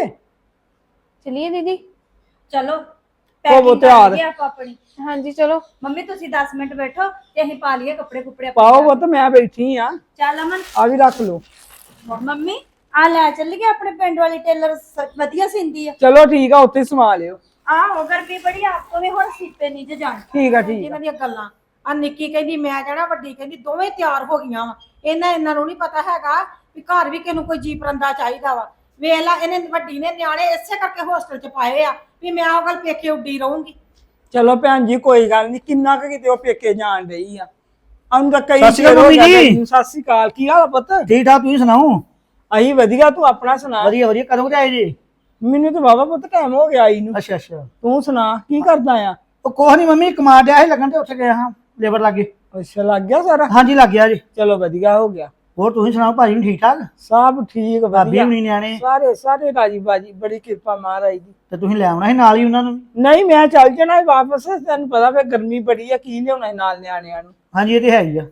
ਚਲਿਏ ਦੀਦੀ। ਚਲੋ ਉਹ ਪੈਕਿੰਗ ਤਿਆਰ। ਕਰ ਲਈਏ ਆਪਾਂ ਆਪਣੀ। ਹਾਂਜੀ ਚਲੋ। ਮੰਮੀ ਤੁਸੀਂ 10 ਮਿੰਟ ਬੈਠੋ ਤੇ ਅਸੀਂ ਪਾ ਲਈਏ ਕੱਪੜੇ ਕੁਪੜੇ ਆਪਣੇ। ਪਾਓ ਪੁੱਤ, ਮੈਂ ਬੈਠੀ ਆ। ਚੱਲ ਅਮਨ। ਆ ਵੀ ਰੱਖ ਲਓ। ਮੰਮੀ ਆ ਲੈ ਚੱਲੀਏ, ਆਪਣੇ ਪਿੰਡ ਵਾਲੀ ਟੇਲਰ ਵਧੀਆ ਸਿੰਦੀ ਆ। ਚਲੋ ਠੀਕ ਆ, ਉੱਥੇ ਹੀ ਸਮਾ ਲਿਓ। ਆਹੋ, ਗਰਮੀ ਬੜੀ, ਆਪ ਤੋਂ ਵੀ ਹੁਣ ਸੀਪੇ ਨਹੀਂ ਜੇ ਜਾਣ। ਠੀਕ ਆ ਠੀਕ ਆ। ਇਹਨਾਂ ਦੀਆਂ ਗੱਲਾਂ। ਆ ਨਿੱਕੀ ਕਹਿੰਦੀ ਮੈਂ ਜਾਣਾ, ਵੱਡੀ ਕਹਿੰਦੀ, ਦੋਵੇਂ ਤਿਆਰ ਹੋ ਗਈਆਂ ਵਾ। ਇਹਨਾਂ ਨੂੰ ਨਹੀਂ ਪਤਾ ਹੈਗਾ ਵੀ ਘਰ ਵੀ ਕਿਸੇ ਨੂੰ ਕੋਈ ਜੀ ਪਰੰਦਾ ਚਾਹੀਦਾ ਵਾ। ਵੇਖ ਲਾ, ਇਹਨੇ ਵੱਡੀ ਨੇ ਨਿਆਣੇ ਇਸੇ ਕਰਕੇ ਹੋਸਟਲ 'ਚ ਪਾਏ ਆ ਵੀ ਮੈਂ ਉਹ ਗੱਲ ਪੇਕੇ ਉੱਡੀ ਰਹੂੰਗੀ। ਚਲੋ ਭੈਣ ਜੀ, ਕੋਈ ਗੱਲ ਨਹੀਂ। ਕਿੰਨਾ ਕੁ ਕਿਤੇ ਉਹ ਪੇਕੇ ਜਾਣ ਰਹੀ ਆ। ਅੰਨ ਤਾਂ ਕਈ ਸਤਿ ਸ਼੍ਰੀ ਅਕਾਲ ਚਿਰ ਹੋ ਮੰਮੀ ਗਿਆ। ਜੀ। ਸਤਿ ਸ਼੍ਰੀ ਅਕਾਲ, ਕੀ ਹਾਲ ਆ ਪੁੱਤ? ਠੀਕ ਠਾਕ, ਤੁਸੀਂ ਸੁਣਾਓ? ਅਹੀਂ ਵਧੀਆ, ਤੂੰ ਆਪਣਾ ਸੁਣਾ। ਵਧੀਆ ਵਧੀਆ, ਕਦੋਂ ਕੁ ਆਏ ਜੀ? ਮੈਨੂੰ ਤਾਂ ਬਾਬਾ ਪੁੱਤ ਟਾਈਮ ਹੋ ਗਿਆ ਆਈ ਨੂੰ। ਅੱਛਾ ਅੱਛਾ। ਤੂੰ ਸੁਣਾ ਕੀ ਕਰਦਾ ਆ? ਉਹ ਕੁਛ ਨਹੀਂ ਮੰਮੀ, ਕਮਾ ਡਿਆ ਸੀ ਲੱਗਣ ਤੇ ਉੱਥੇ ਗਏ ਹਾਂ ਲੇਬਰ ਲੱਗੇ। ਅੱਛਾ, ਲੱਗ ਗਿਆ ਸਾਰਾ? ਹਾਂਜੀ ਲੱਗ ਗਿਆ ਜੀ। ਚਲੋ ਵਧੀਆ ਹੋ ਗਿਆ। ਹੋਰ ਤੁਸੀਂ ਸੁਣਾਓ, ਭਾਜੀ ਨੂੰ ਠੀਕ ਠਾਕ? ਸਭ ਠੀਕ ਭਾਬੀ ਵਧੀਆ, ਹੁਣੀ ਨਿਆਣੇ? ਸਾਰੇ ਸਾਰੇ ਰਾਜੀ ਬਾਜੀ, ਬੜੀ ਕਿਰਪਾ ਮਹਾਰਾਜ ਦੀ। ਤੇ ਤੁਸੀਂ ਲੈ ਆਉਣਾ ਸੀ ਨਾਲ ਹੀ ਉਹਨਾਂ ਨੂੰ? ਨਹੀਂ, ਮੈਂ ਚੱਲ ਜਾਣਾ ਸੀ ਵਾਪਸ। ਤੈਨੂੰ ਪਤਾ ਫੇ ਗਰਮੀ ਬੜੀ ਆ, ਕੀ ਲਿਆਉਣਾ ਸੀ ਨਾਲ ਨਿਆਣਿਆਂ ਨੂੰ। ਹਾਂਜੀ ਇਹ ਤੇ ਹੈ ਹੀ ਆ।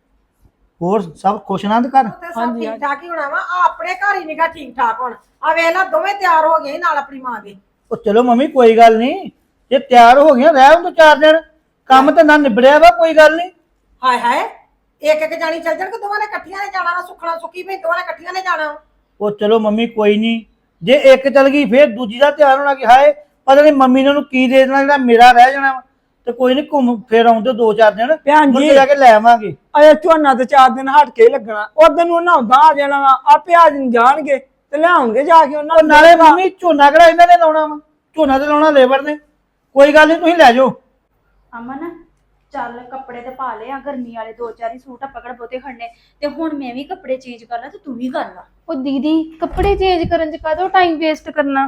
ਹੋਰ ਸਭ ਖੁਸ਼ ਆਨੰਦ ਘਰ? ਤੇ ਸਭ ਠੀਕ ਠਾਕ ਹੀ ਹੋਣਾ ਵਾ। ਆ ਆਪਣੇ ਘਰ ਹੀ ਨਿਗਾ ਠੀਕ ਠਾਕ ਹੁਣ। ਆ ਵੇਖ ਲਾ, ਦੋਵੇਂ ਤਿਆਰ ਹੋ ਗਏ ਨਾਲ ਆਪਣੀ ਮਾਂ ਦੇ। ਉਹ ਚਲੋ ਮੰਮੀ ਕੋਈ ਗੱਲ ਨਹੀਂ, ਜੇ ਤਿਆਰ ਹੋ ਗਈਆਂ ਰਹਿ ਹੁਣ 4 ਦਿਨ, ਕੰਮ ਤਾਂ ਨਾ ਨਿਬੜਿਆ ਵਾ, ਕੋਈ ਗੱਲ ਨਹੀਂ। ਹਾਏ ਹਾਏ, ਇੱਕ ਇੱਕ ਜਾਣੀ ਚੱਲ ਜਾਣ ਕਿ ਦੋਵਾਂ ਨੇ ਇਕੱਠੀਆਂ ਨੇ ਜਾਣਾ ਵਾ? ਸੁੱਖਣਾ ਸੁੱਕੀ ਭਈ ਦੋਵਾਂ ਨੇ ਇਕੱਠੀਆਂ ਨੇ ਜਾਣਾ। ਉਹ ਚਲੋ ਮੰਮੀ ਕੋਈ ਨਹੀਂ, ਜੇ ਇੱਕ ਚਲ ਗਈ ਫੇਰ ਦੂਜੀ ਦਾ ਤਿਆਰ ਹੋਣਾ ਕਿ ਹਾਏ ਪਤਾ ਨਹੀਂ ਮੰਮੀ ਨੇ ਉਹਨੂੰ ਕੀ ਦੇ ਦੇਣਾ ਜਿਹੜਾ ਮੇਰਾ ਰਹਿ ਜਾਣਾ ਵਾ। ਤੇ ਕੋਈ ਨਹੀਂ, ਘੁੰਮ ਫੇਰ ਆਉਂਦੇ 2-4 ਦਿਨ, ਭੈਣ ਮੁੜ ਜੀ ਕੇ ਜਾ ਕੇ ਲੈ ਆਵਾਂਗੇ। ਅਜੇ ਝੋਨਾ ਤੇ 4 ਦਿਨ ਹਟ ਕੇ ਹੀ ਲੱਗਣਾ। ਉਦੋਂ ਨੂੰ ਉਹਨਾਂ ਉਦਾਂ ਆ ਜਾਣਾ ਵਾ, ਆਪੇ ਆ ਜਾਣਗੇ ਤੇ ਲਿਆਉਣਗੇ ਜਾ ਕੇ ਉਹਨਾਂ ਉਹ ਨੂੰ। ਨਾਲੇ ਮੰਮੀ ਝੋਨਾ ਕਿਹੜਾ ਇਹਨਾਂ ਨੇ ਲਾਉਣਾ ਵਾ? ਝੋਨਾ ਤੇ ਲਾਉਣਾ ਲੇਬਰ ਨੇ। ਕੋਈ ਗੱਲ ਨਹੀਂ, ਤੁਸੀਂ ਲੈ ਜਾਓ। ਅਮਨ ਚੱਲ ਕੱਪੜੇ ਤੇ ਪਾ ਲਏ ਆ, ਗਰਮੀ ਵਾਲੇ 2-4 ਹੀ ਸੂਟ ਆ, ਪਕੜ ਬਹੁਤੇ ਖੜਨੇ। ਤੇ ਹੁਣ ਮੈਂ ਵੀ ਕੱਪੜੇ ਚੇਂਜ ਕਰ ਲਾਂ ਤੇ ਤੂੰ ਵੀ ਕਰ ਲਾ। ਉਹ ਦੀਦੀ, ਕੱਪੜੇ ਚੇਂਜ ਕਰਨ ਚ ਕਾਹਦੋਂ ਟਾਈਮ ਵੇਸਟ ਕਰਨਾ?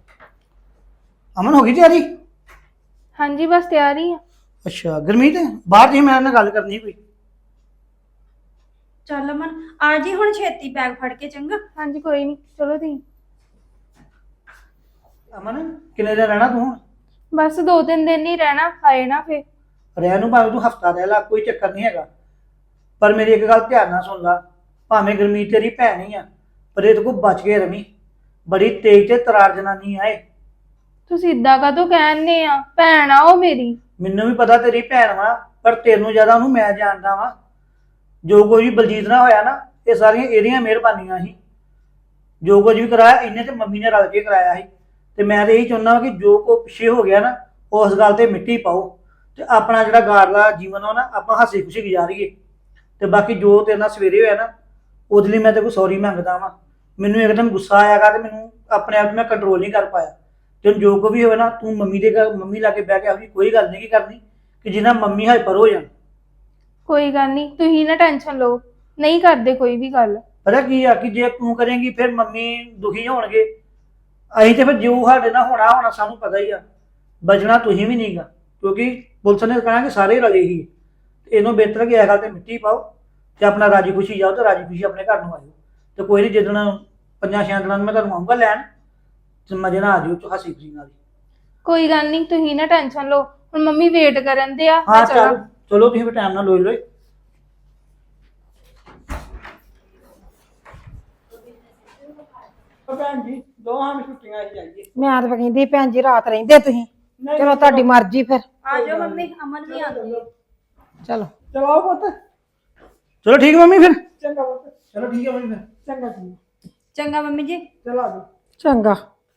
ਅਮਨ ਹੋ ਗਈ ਤਿਆਰੀ? ਹਾਂਜੀ ਬਸ ਤਿਆਰ ਹੀ ਆ। ਅੱਛਾ ਗੁਰਮੀਤ, ਬਾਹਰ ਜੀ ਮੈਂ ਨਾਲ ਗੱਲ ਕਰਨੀ ਕੋਈ। ਚੱਲ ਅਮਨ ਆ ਜੀ ਹੁਣ ਛੇਤੀ ਬੈਗ ਫੜ ਕੇ, ਚੰਗਾ? ਹਾਂਜੀ ਕੋਈ ਨਹੀਂ, ਚਲੋ ਤੁਸੀਂ। ਅਮਨ ਕਿੰਨੇ ਦਿਨ ਰਹਿਣਾ ਤੂੰ ਹੁਣ? ਬਸ 2-3 ਦਿਨ ਹੀ ਰਹਿਣਾ, ਆਏ ਨਾ ਫੇ। ਰਹਿਣ ਨੂੰ ਭਾਵੇਂ ਤੂੰ ਹਫਤਾ ਰਹਿ ਲਾ, ਕੋਈ ਚੱਕਰ ਨਹੀਂ ਹੈਗਾ। ਪਰ ਮੇਰੀ ਇੱਕ ਗੱਲ ਧਿਆਨ ਨਾਲ ਸੁਣ ਲਾ, ਭਾਵੇਂ ਗੁਰਮੀਤ ਤੇਰੀ ਭੈਣ ਹੀ ਆ, ਪਰ ਇਹਦੇ ਕੋਲ ਬਚ ਕੇ ਰਵੀਂ। ਬੜੀ ਤੇਜ਼ ਤੇ ਤਰਾਰ ਜਨਾਨੀ ਆਏ। ਤੁਸੀਂ ਇਦਾਂ ਕਾਹਤੋਂ ਕਹਿੰਦੇ ਆ? ਭੈਣ ਆ ਉਹ ਮੇਰੀ। ਮੈਨੂੰ ਵੀ ਪਤਾ ਤੇਰੀ ਭੈਣ ਵਾ, ਪਰ ਤੈਨੂੰ ਜ਼ਿਆਦਾ ਉਹਨੂੰ ਮੈਂ ਜਾਣਦਾ ਵਾਂ। ਜੋ ਕੁਝ ਵੀ ਬਲਜੀਤ ਨਾਲ ਹੋਇਆ ਨਾ, ਇਹ ਸਾਰੀਆਂ ਇਹਦੀਆਂ ਮਿਹਰਬਾਨੀਆਂ ਸੀ। ਜੋ ਕੁਝ ਵੀ ਕਰਾਇਆ ਇਹਨੇ ਤੇ ਮੰਮੀ ਨੇ ਰਲ ਕੇ ਕਰਾਇਆ ਸੀ। ਤੇ ਮੈਂ ਤਾਂ ਇਹੀ ਚਾਹੁੰਦਾ ਕਿ ਜੋ ਕੋ ਪਿੱਛੇ ਹੋ ਗਿਆ ਨਾ, ਉਸ ਗੱਲ ਤੇ ਮਿੱਟੀ ਪਾਓ ਤੇ ਆਪਣਾ ਜਿਹੜਾ ਗਾਰਲਾ ਜੀਵਨ ਆ ਨਾ, ਆਪਾਂ ਹੱਸੀ ਖੁਸ਼ੀ ਗੁਜ਼ਾਰੀਏ। ਤੇ ਬਾਕੀ ਜੋ ਤੇਰੇ ਨਾਲ ਸਵੇਰੇ ਹੋਇਆ ਨਾ, ਉਹਦੇ ਲਈ ਮੈਂ ਤੇ ਕੋਈ ਸੌਰੀ ਮੰਗਦਾ ਵਾਂ। ਮੈਨੂੰ ਇੱਕਦਮ ਗੁੱਸਾ ਆਇਆਗਾ ਤੇ ਮੈਨੂੰ ਆਪਣੇ ਆਪ ਨੂੰ ਮੈਂ ਕੰਟਰੋਲ ਨਹੀਂ ਕਰ ਪਾਇਆ। ਤੇ ਜੋ ਕੋ ਵੀ ਹੋਵੇ ਨਾ, ਤੂੰ ਮੰਮੀ ਲਾ ਕੇ ਬਹਿ ਕੇ ਆਪਣੀ ਕੋਈ ਗੱਲ ਨਹੀਂ ਕੀ ਕਰਨੀ ਕਿ ਜਿੰਨਾ ਮੰਮੀ ਹਾਈਪਰ ਹੋ ਜਾਣ। ਕੋਈ ਗੱਲ ਨਹੀਂ, ਤੁਸੀਂ ਨਾ ਟੈਨਸ਼ਨ ਲਓ। ਨਹੀਂ ਕਰਦੇ ਕੋਈ ਵੀ ਗੱਲ। ਪਤਾ ਕੀ ਆ ਕਿ ਜੇ ਤੂੰ ਕਰੇਂਗੀ ਫਿਰ ਮੰਮੀ ਦੁਖੀ ਹੋਣਗੇ। ਅਸੀਂ ਤੇ ਫਿਰ ਜੋ ਸਾਡੇ ਨਾਲ ਹੋਣਾ ਸਾਨੂੰ ਪਤਾ ਹੀ ਆ। ਬਚਣਾ ਤੁਸੀਂ ਵੀ ਨਹੀਂਗਾ, ਕਿਉਂਕਿ ਪੁਲਿਸ ਨੇ ਕਹਿਣਾ ਕਿ ਸਾਰੇ ਰਲੇ ਹੀ। ਇਹਨੂੰ ਬਿਹਤਰ ਕਿ ਇਹ ਗੱਲ ਤੇ ਮਿੱਟੀ ਪਾਓ ਤੇ ਆਪਣਾ ਰਾਜੀ ਖੁਸ਼ੀ ਜਾਓ ਤੇ ਰਾਜੀ ਖੁਸ਼ੀ ਆਪਣੇ ਘਰ ਨੂੰ ਆਇਓ। ਤੇ ਕੋਈ ਨਹੀਂ, ਜਿੱਦਣ 5-6 ਦਿਨਾਂ ਨੂੰ ਮੈਂ ਤੁਹਾਨੂੰ ਆਊਂਗਾ ਲੈਣ ਤੇ ਮਜੇ ਨਾਲ ਆ ਜਾਓ ਹੱਸੀ ਖੁਸ਼ੀ ਨਾਲ। ਕੋਈ ਗੱਲ ਨਹੀਂ, ਤੁਸੀਂ ਨਾ ਟੈਨਸ਼ਨ ਲਓ। ਹੁਣ ਮੰਮੀ ਵੇਟ ਕਰਨ ਦੇ ਆ। ਹਾਂ ਮੈਂ ਚਲਾਂ। ਚਲੋ ਤੁਸੀਂ ਵੀ ਟਾਈਮ ਨਾਲ ਲੋਈ ਲੋਈ। ਭੈਣ ਜੀ ਦੋਹਾਂ ਨੂੰ ਛੁੱਟੀਆਂ ਹੀ ਜਾਈਏ। ਮੈਂ ਤਾਂ ਕਹਿੰਦੀ ਭੈਣ ਜੀ ਰਾਤ ਰਹਿੰਦੇ ਤੁਸੀਂ। ਚਲੋ ਤੁਹਾਡੀ ਮਰਜ਼ੀ ਫਿਰ। ਆ ਜਾਓ ਮੰਮੀ, ਅਮਨ ਵੀ ਆਉਂਦੀ ਹੈ। ਚਲੋ ਚਲੋ ਪੁੱਤ। ਚਲੋ ਠੀਕ ਮੰਮੀ ਫਿਰ। ਚੰਗਾ ਪੁੱਤ। ਚਲੋ ਠੀਕ ਹੈ ਮੰਮੀ ਫਿਰ। ਚੰਗਾ ਜੀ। ਚੰਗਾ ਮੰਮੀ ਜੀ। ਚਲੋ ਆ ਜਾਓ। ਚੰਗਾ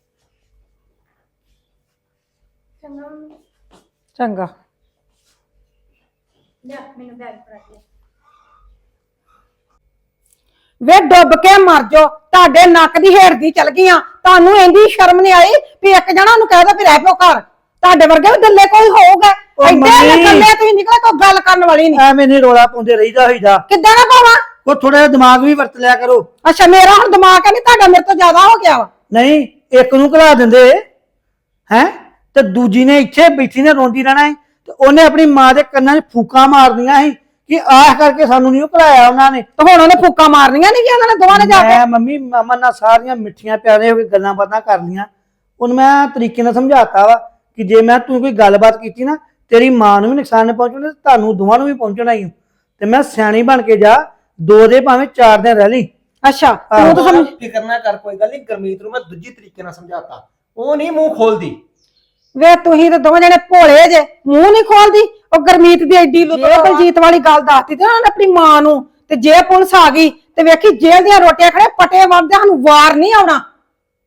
ਚੰਗਾ। ਲੈ ਮੈਨੂੰ ਬੈਗ ਫੜਾ ਦੇ। ਵੇ ਡੁੱਬ ਕੇ ਮਰ ਜਾਓ, ਤੁਹਾਡੇ ਨੱਕ ਦੀ ਹੇਠ ਦੀ ਚਲ ਗਈਆਂ। ਤੁਹਾਨੂੰ ਇੰਨੀ ਸ਼ਰਮ ਨਹੀਂ ਆਈ ਵੀ ਇੱਕ ਜਣਾ ਨੂੰ ਕਹਿ ਦੋ ਵੀ ਰਹਿ ਪਿਓ ਘਰ। ਤੁਹਾਡੇ ਵਰਗੇ ਵੀ ਦੱਲੇ ਕੋਈ ਹੋਊਗਾ? ਉਹ ਐਡੇ ਮੰਮੀ। ਕੱਲੇ ਤੁਸੀਂ ਨਿਕਲੇ ਕੋਈ ਗੱਲ ਕਰਨ ਵਾਲੀ ਨਹੀਂ। ਐਵੇਂ ਨਹੀਂ ਰੋਲਾ ਪਾਉਂਦੇ ਰਹੀਦਾ ਹੋਈਦਾ। ਕਿੱਦਾਂ ਨਾ ਪਾਵਾਂ? ਉਹ ਥੋੜਾ ਜਿਹਾ ਦਿਮਾਗ ਵੀ ਵਰਤ ਲਿਆ ਕਰੋ। ਅੱਛਾ, ਮੇਰਾ ਹੁਣ ਦਿਮਾਗ ਹੈ ਨਹੀਂ, ਤੁਹਾਡਾ ਮੇਰੇ ਤੋਂ ਜ਼ਿਆਦਾ ਹੋ ਗਿਆ ਵਾ। ਨਹੀਂ, ਇੱਕ ਨੂੰ ਘਲਾ ਦਿੰਦੇ ਹੈ ਤੇ ਦੂਜੀ ਨੇ ਇੱਥੇ ਬੈਠੀ ਨੇ ਰੋਂਦੀ ਰਹਿਣਾ ਹੈ ਤੇ ਉਹਨੇ ਆਪਣੀ ਮਾਂ ਦੇ ਕੰਨਾਂ 'ਚ ਫੂਕਾਂ ਮਾਰਨੀਆਂ ਸੀ ਕਿ ਆਹ ਕਰਕੇ ਸਾਨੂੰ ਨਹੀਂ ਘਲਾਇਆ ਉਹਨਾਂ ਨੇ। ਤੇ ਹੁਣ ਉਹਨੇ ਫੂਕਾਂ ਮਾਰਨੀਆਂ ਨਹੀਂ ਕਿ ਉਹਨਾਂ ਨੇ ਦੋਵਾਂ ਨੇ ਜਾ ਕੇ? ਮੈਂ ਮੰਮੀ ਅਮਨ ਨਾਲ ਸਾਰੀਆਂ ਮਿੱਠੀਆਂ ਪਿਆਰੀਆਂ ਹੋ ਕੇ ਗੱਲਾਂ ਬਾਤਾਂ ਕਰ ਲੀਆਂ। ਉਹਨੂੰ ਮੈਂ ਤਰੀਕੇ ਨਾਲ ਸਮਝਾਤਾ ਵਾ ਕਿ ਜੇ ਮੈਂ ਤੂੰ ਕੋਈ ਗੱਲਬਾਤ ਕੀਤੀ ਨਾ, ਤੇਰੀ ਮਾਂ ਨੂੰ ਵੀ ਨੁਕਸਾਨ ਪਹੁੰਚਣਾ ਤੇ ਤੁਹਾਨੂੰ ਦੋਵਾਂ ਨੂੰ ਵੀ ਪਹੁੰਚਣਾ ਹੀ। ਤੇ ਮੈਂ ਸਿਆਣੀ ਬਣ ਕੇ ਜਾ, 2 ਦੇ ਭਾਵੇਂ 4 ਦਿਨ ਰਹਿ ਲਈ। ਅੱਛਾ, ਤੂੰ ਤਾਂ ਸਮਝ। ਫਿਕਰ ਨਾ ਕਰ, ਕੋਈ ਗੱਲ ਨਹੀਂ। ਗੁਰਮੀਤ ਨੂੰ ਮੈਂ ਦੂਜੀ ਤਰੀਕੇ ਨਾਲ ਸਮਝਾਤਾ, ਉਹ ਨਹੀਂ ਮੂੰਹ ਖੋਲਦੀ। ਵੇ ਤੁਸੀਂ ਤਾਂ ਦੋਵੇਂ ਜਣੇ ਭੋਲੇ ਜੇ, ਮੂੰਹ ਨਹੀਂ ਖੋਲਦੀ। ਉਹ ਗੁਰਮੀਤ ਦੀ ਐਡੀ ਲੁੱਟ ਬਲਜੀਤ ਵਾਲੀ ਗੱਲ ਦੱਸਦੀ ਤੇ ਉਹਨੇ ਆਪਣੀ ਮਾਂ ਨੂੰ। ਤੇ ਜੇ ਪੁਲਿਸ ਆ ਗਈ ਤੇ ਵੇਖੀ ਜੇਲ੍ਹ ਦੀਆਂ ਰੋਟੀਆਂ ਖੜੇ ਪਟੇ ਵਰਦੇ, ਸਾਨੂੰ ਵਾਰ ਨਹੀਂ ਆਉਣਾ।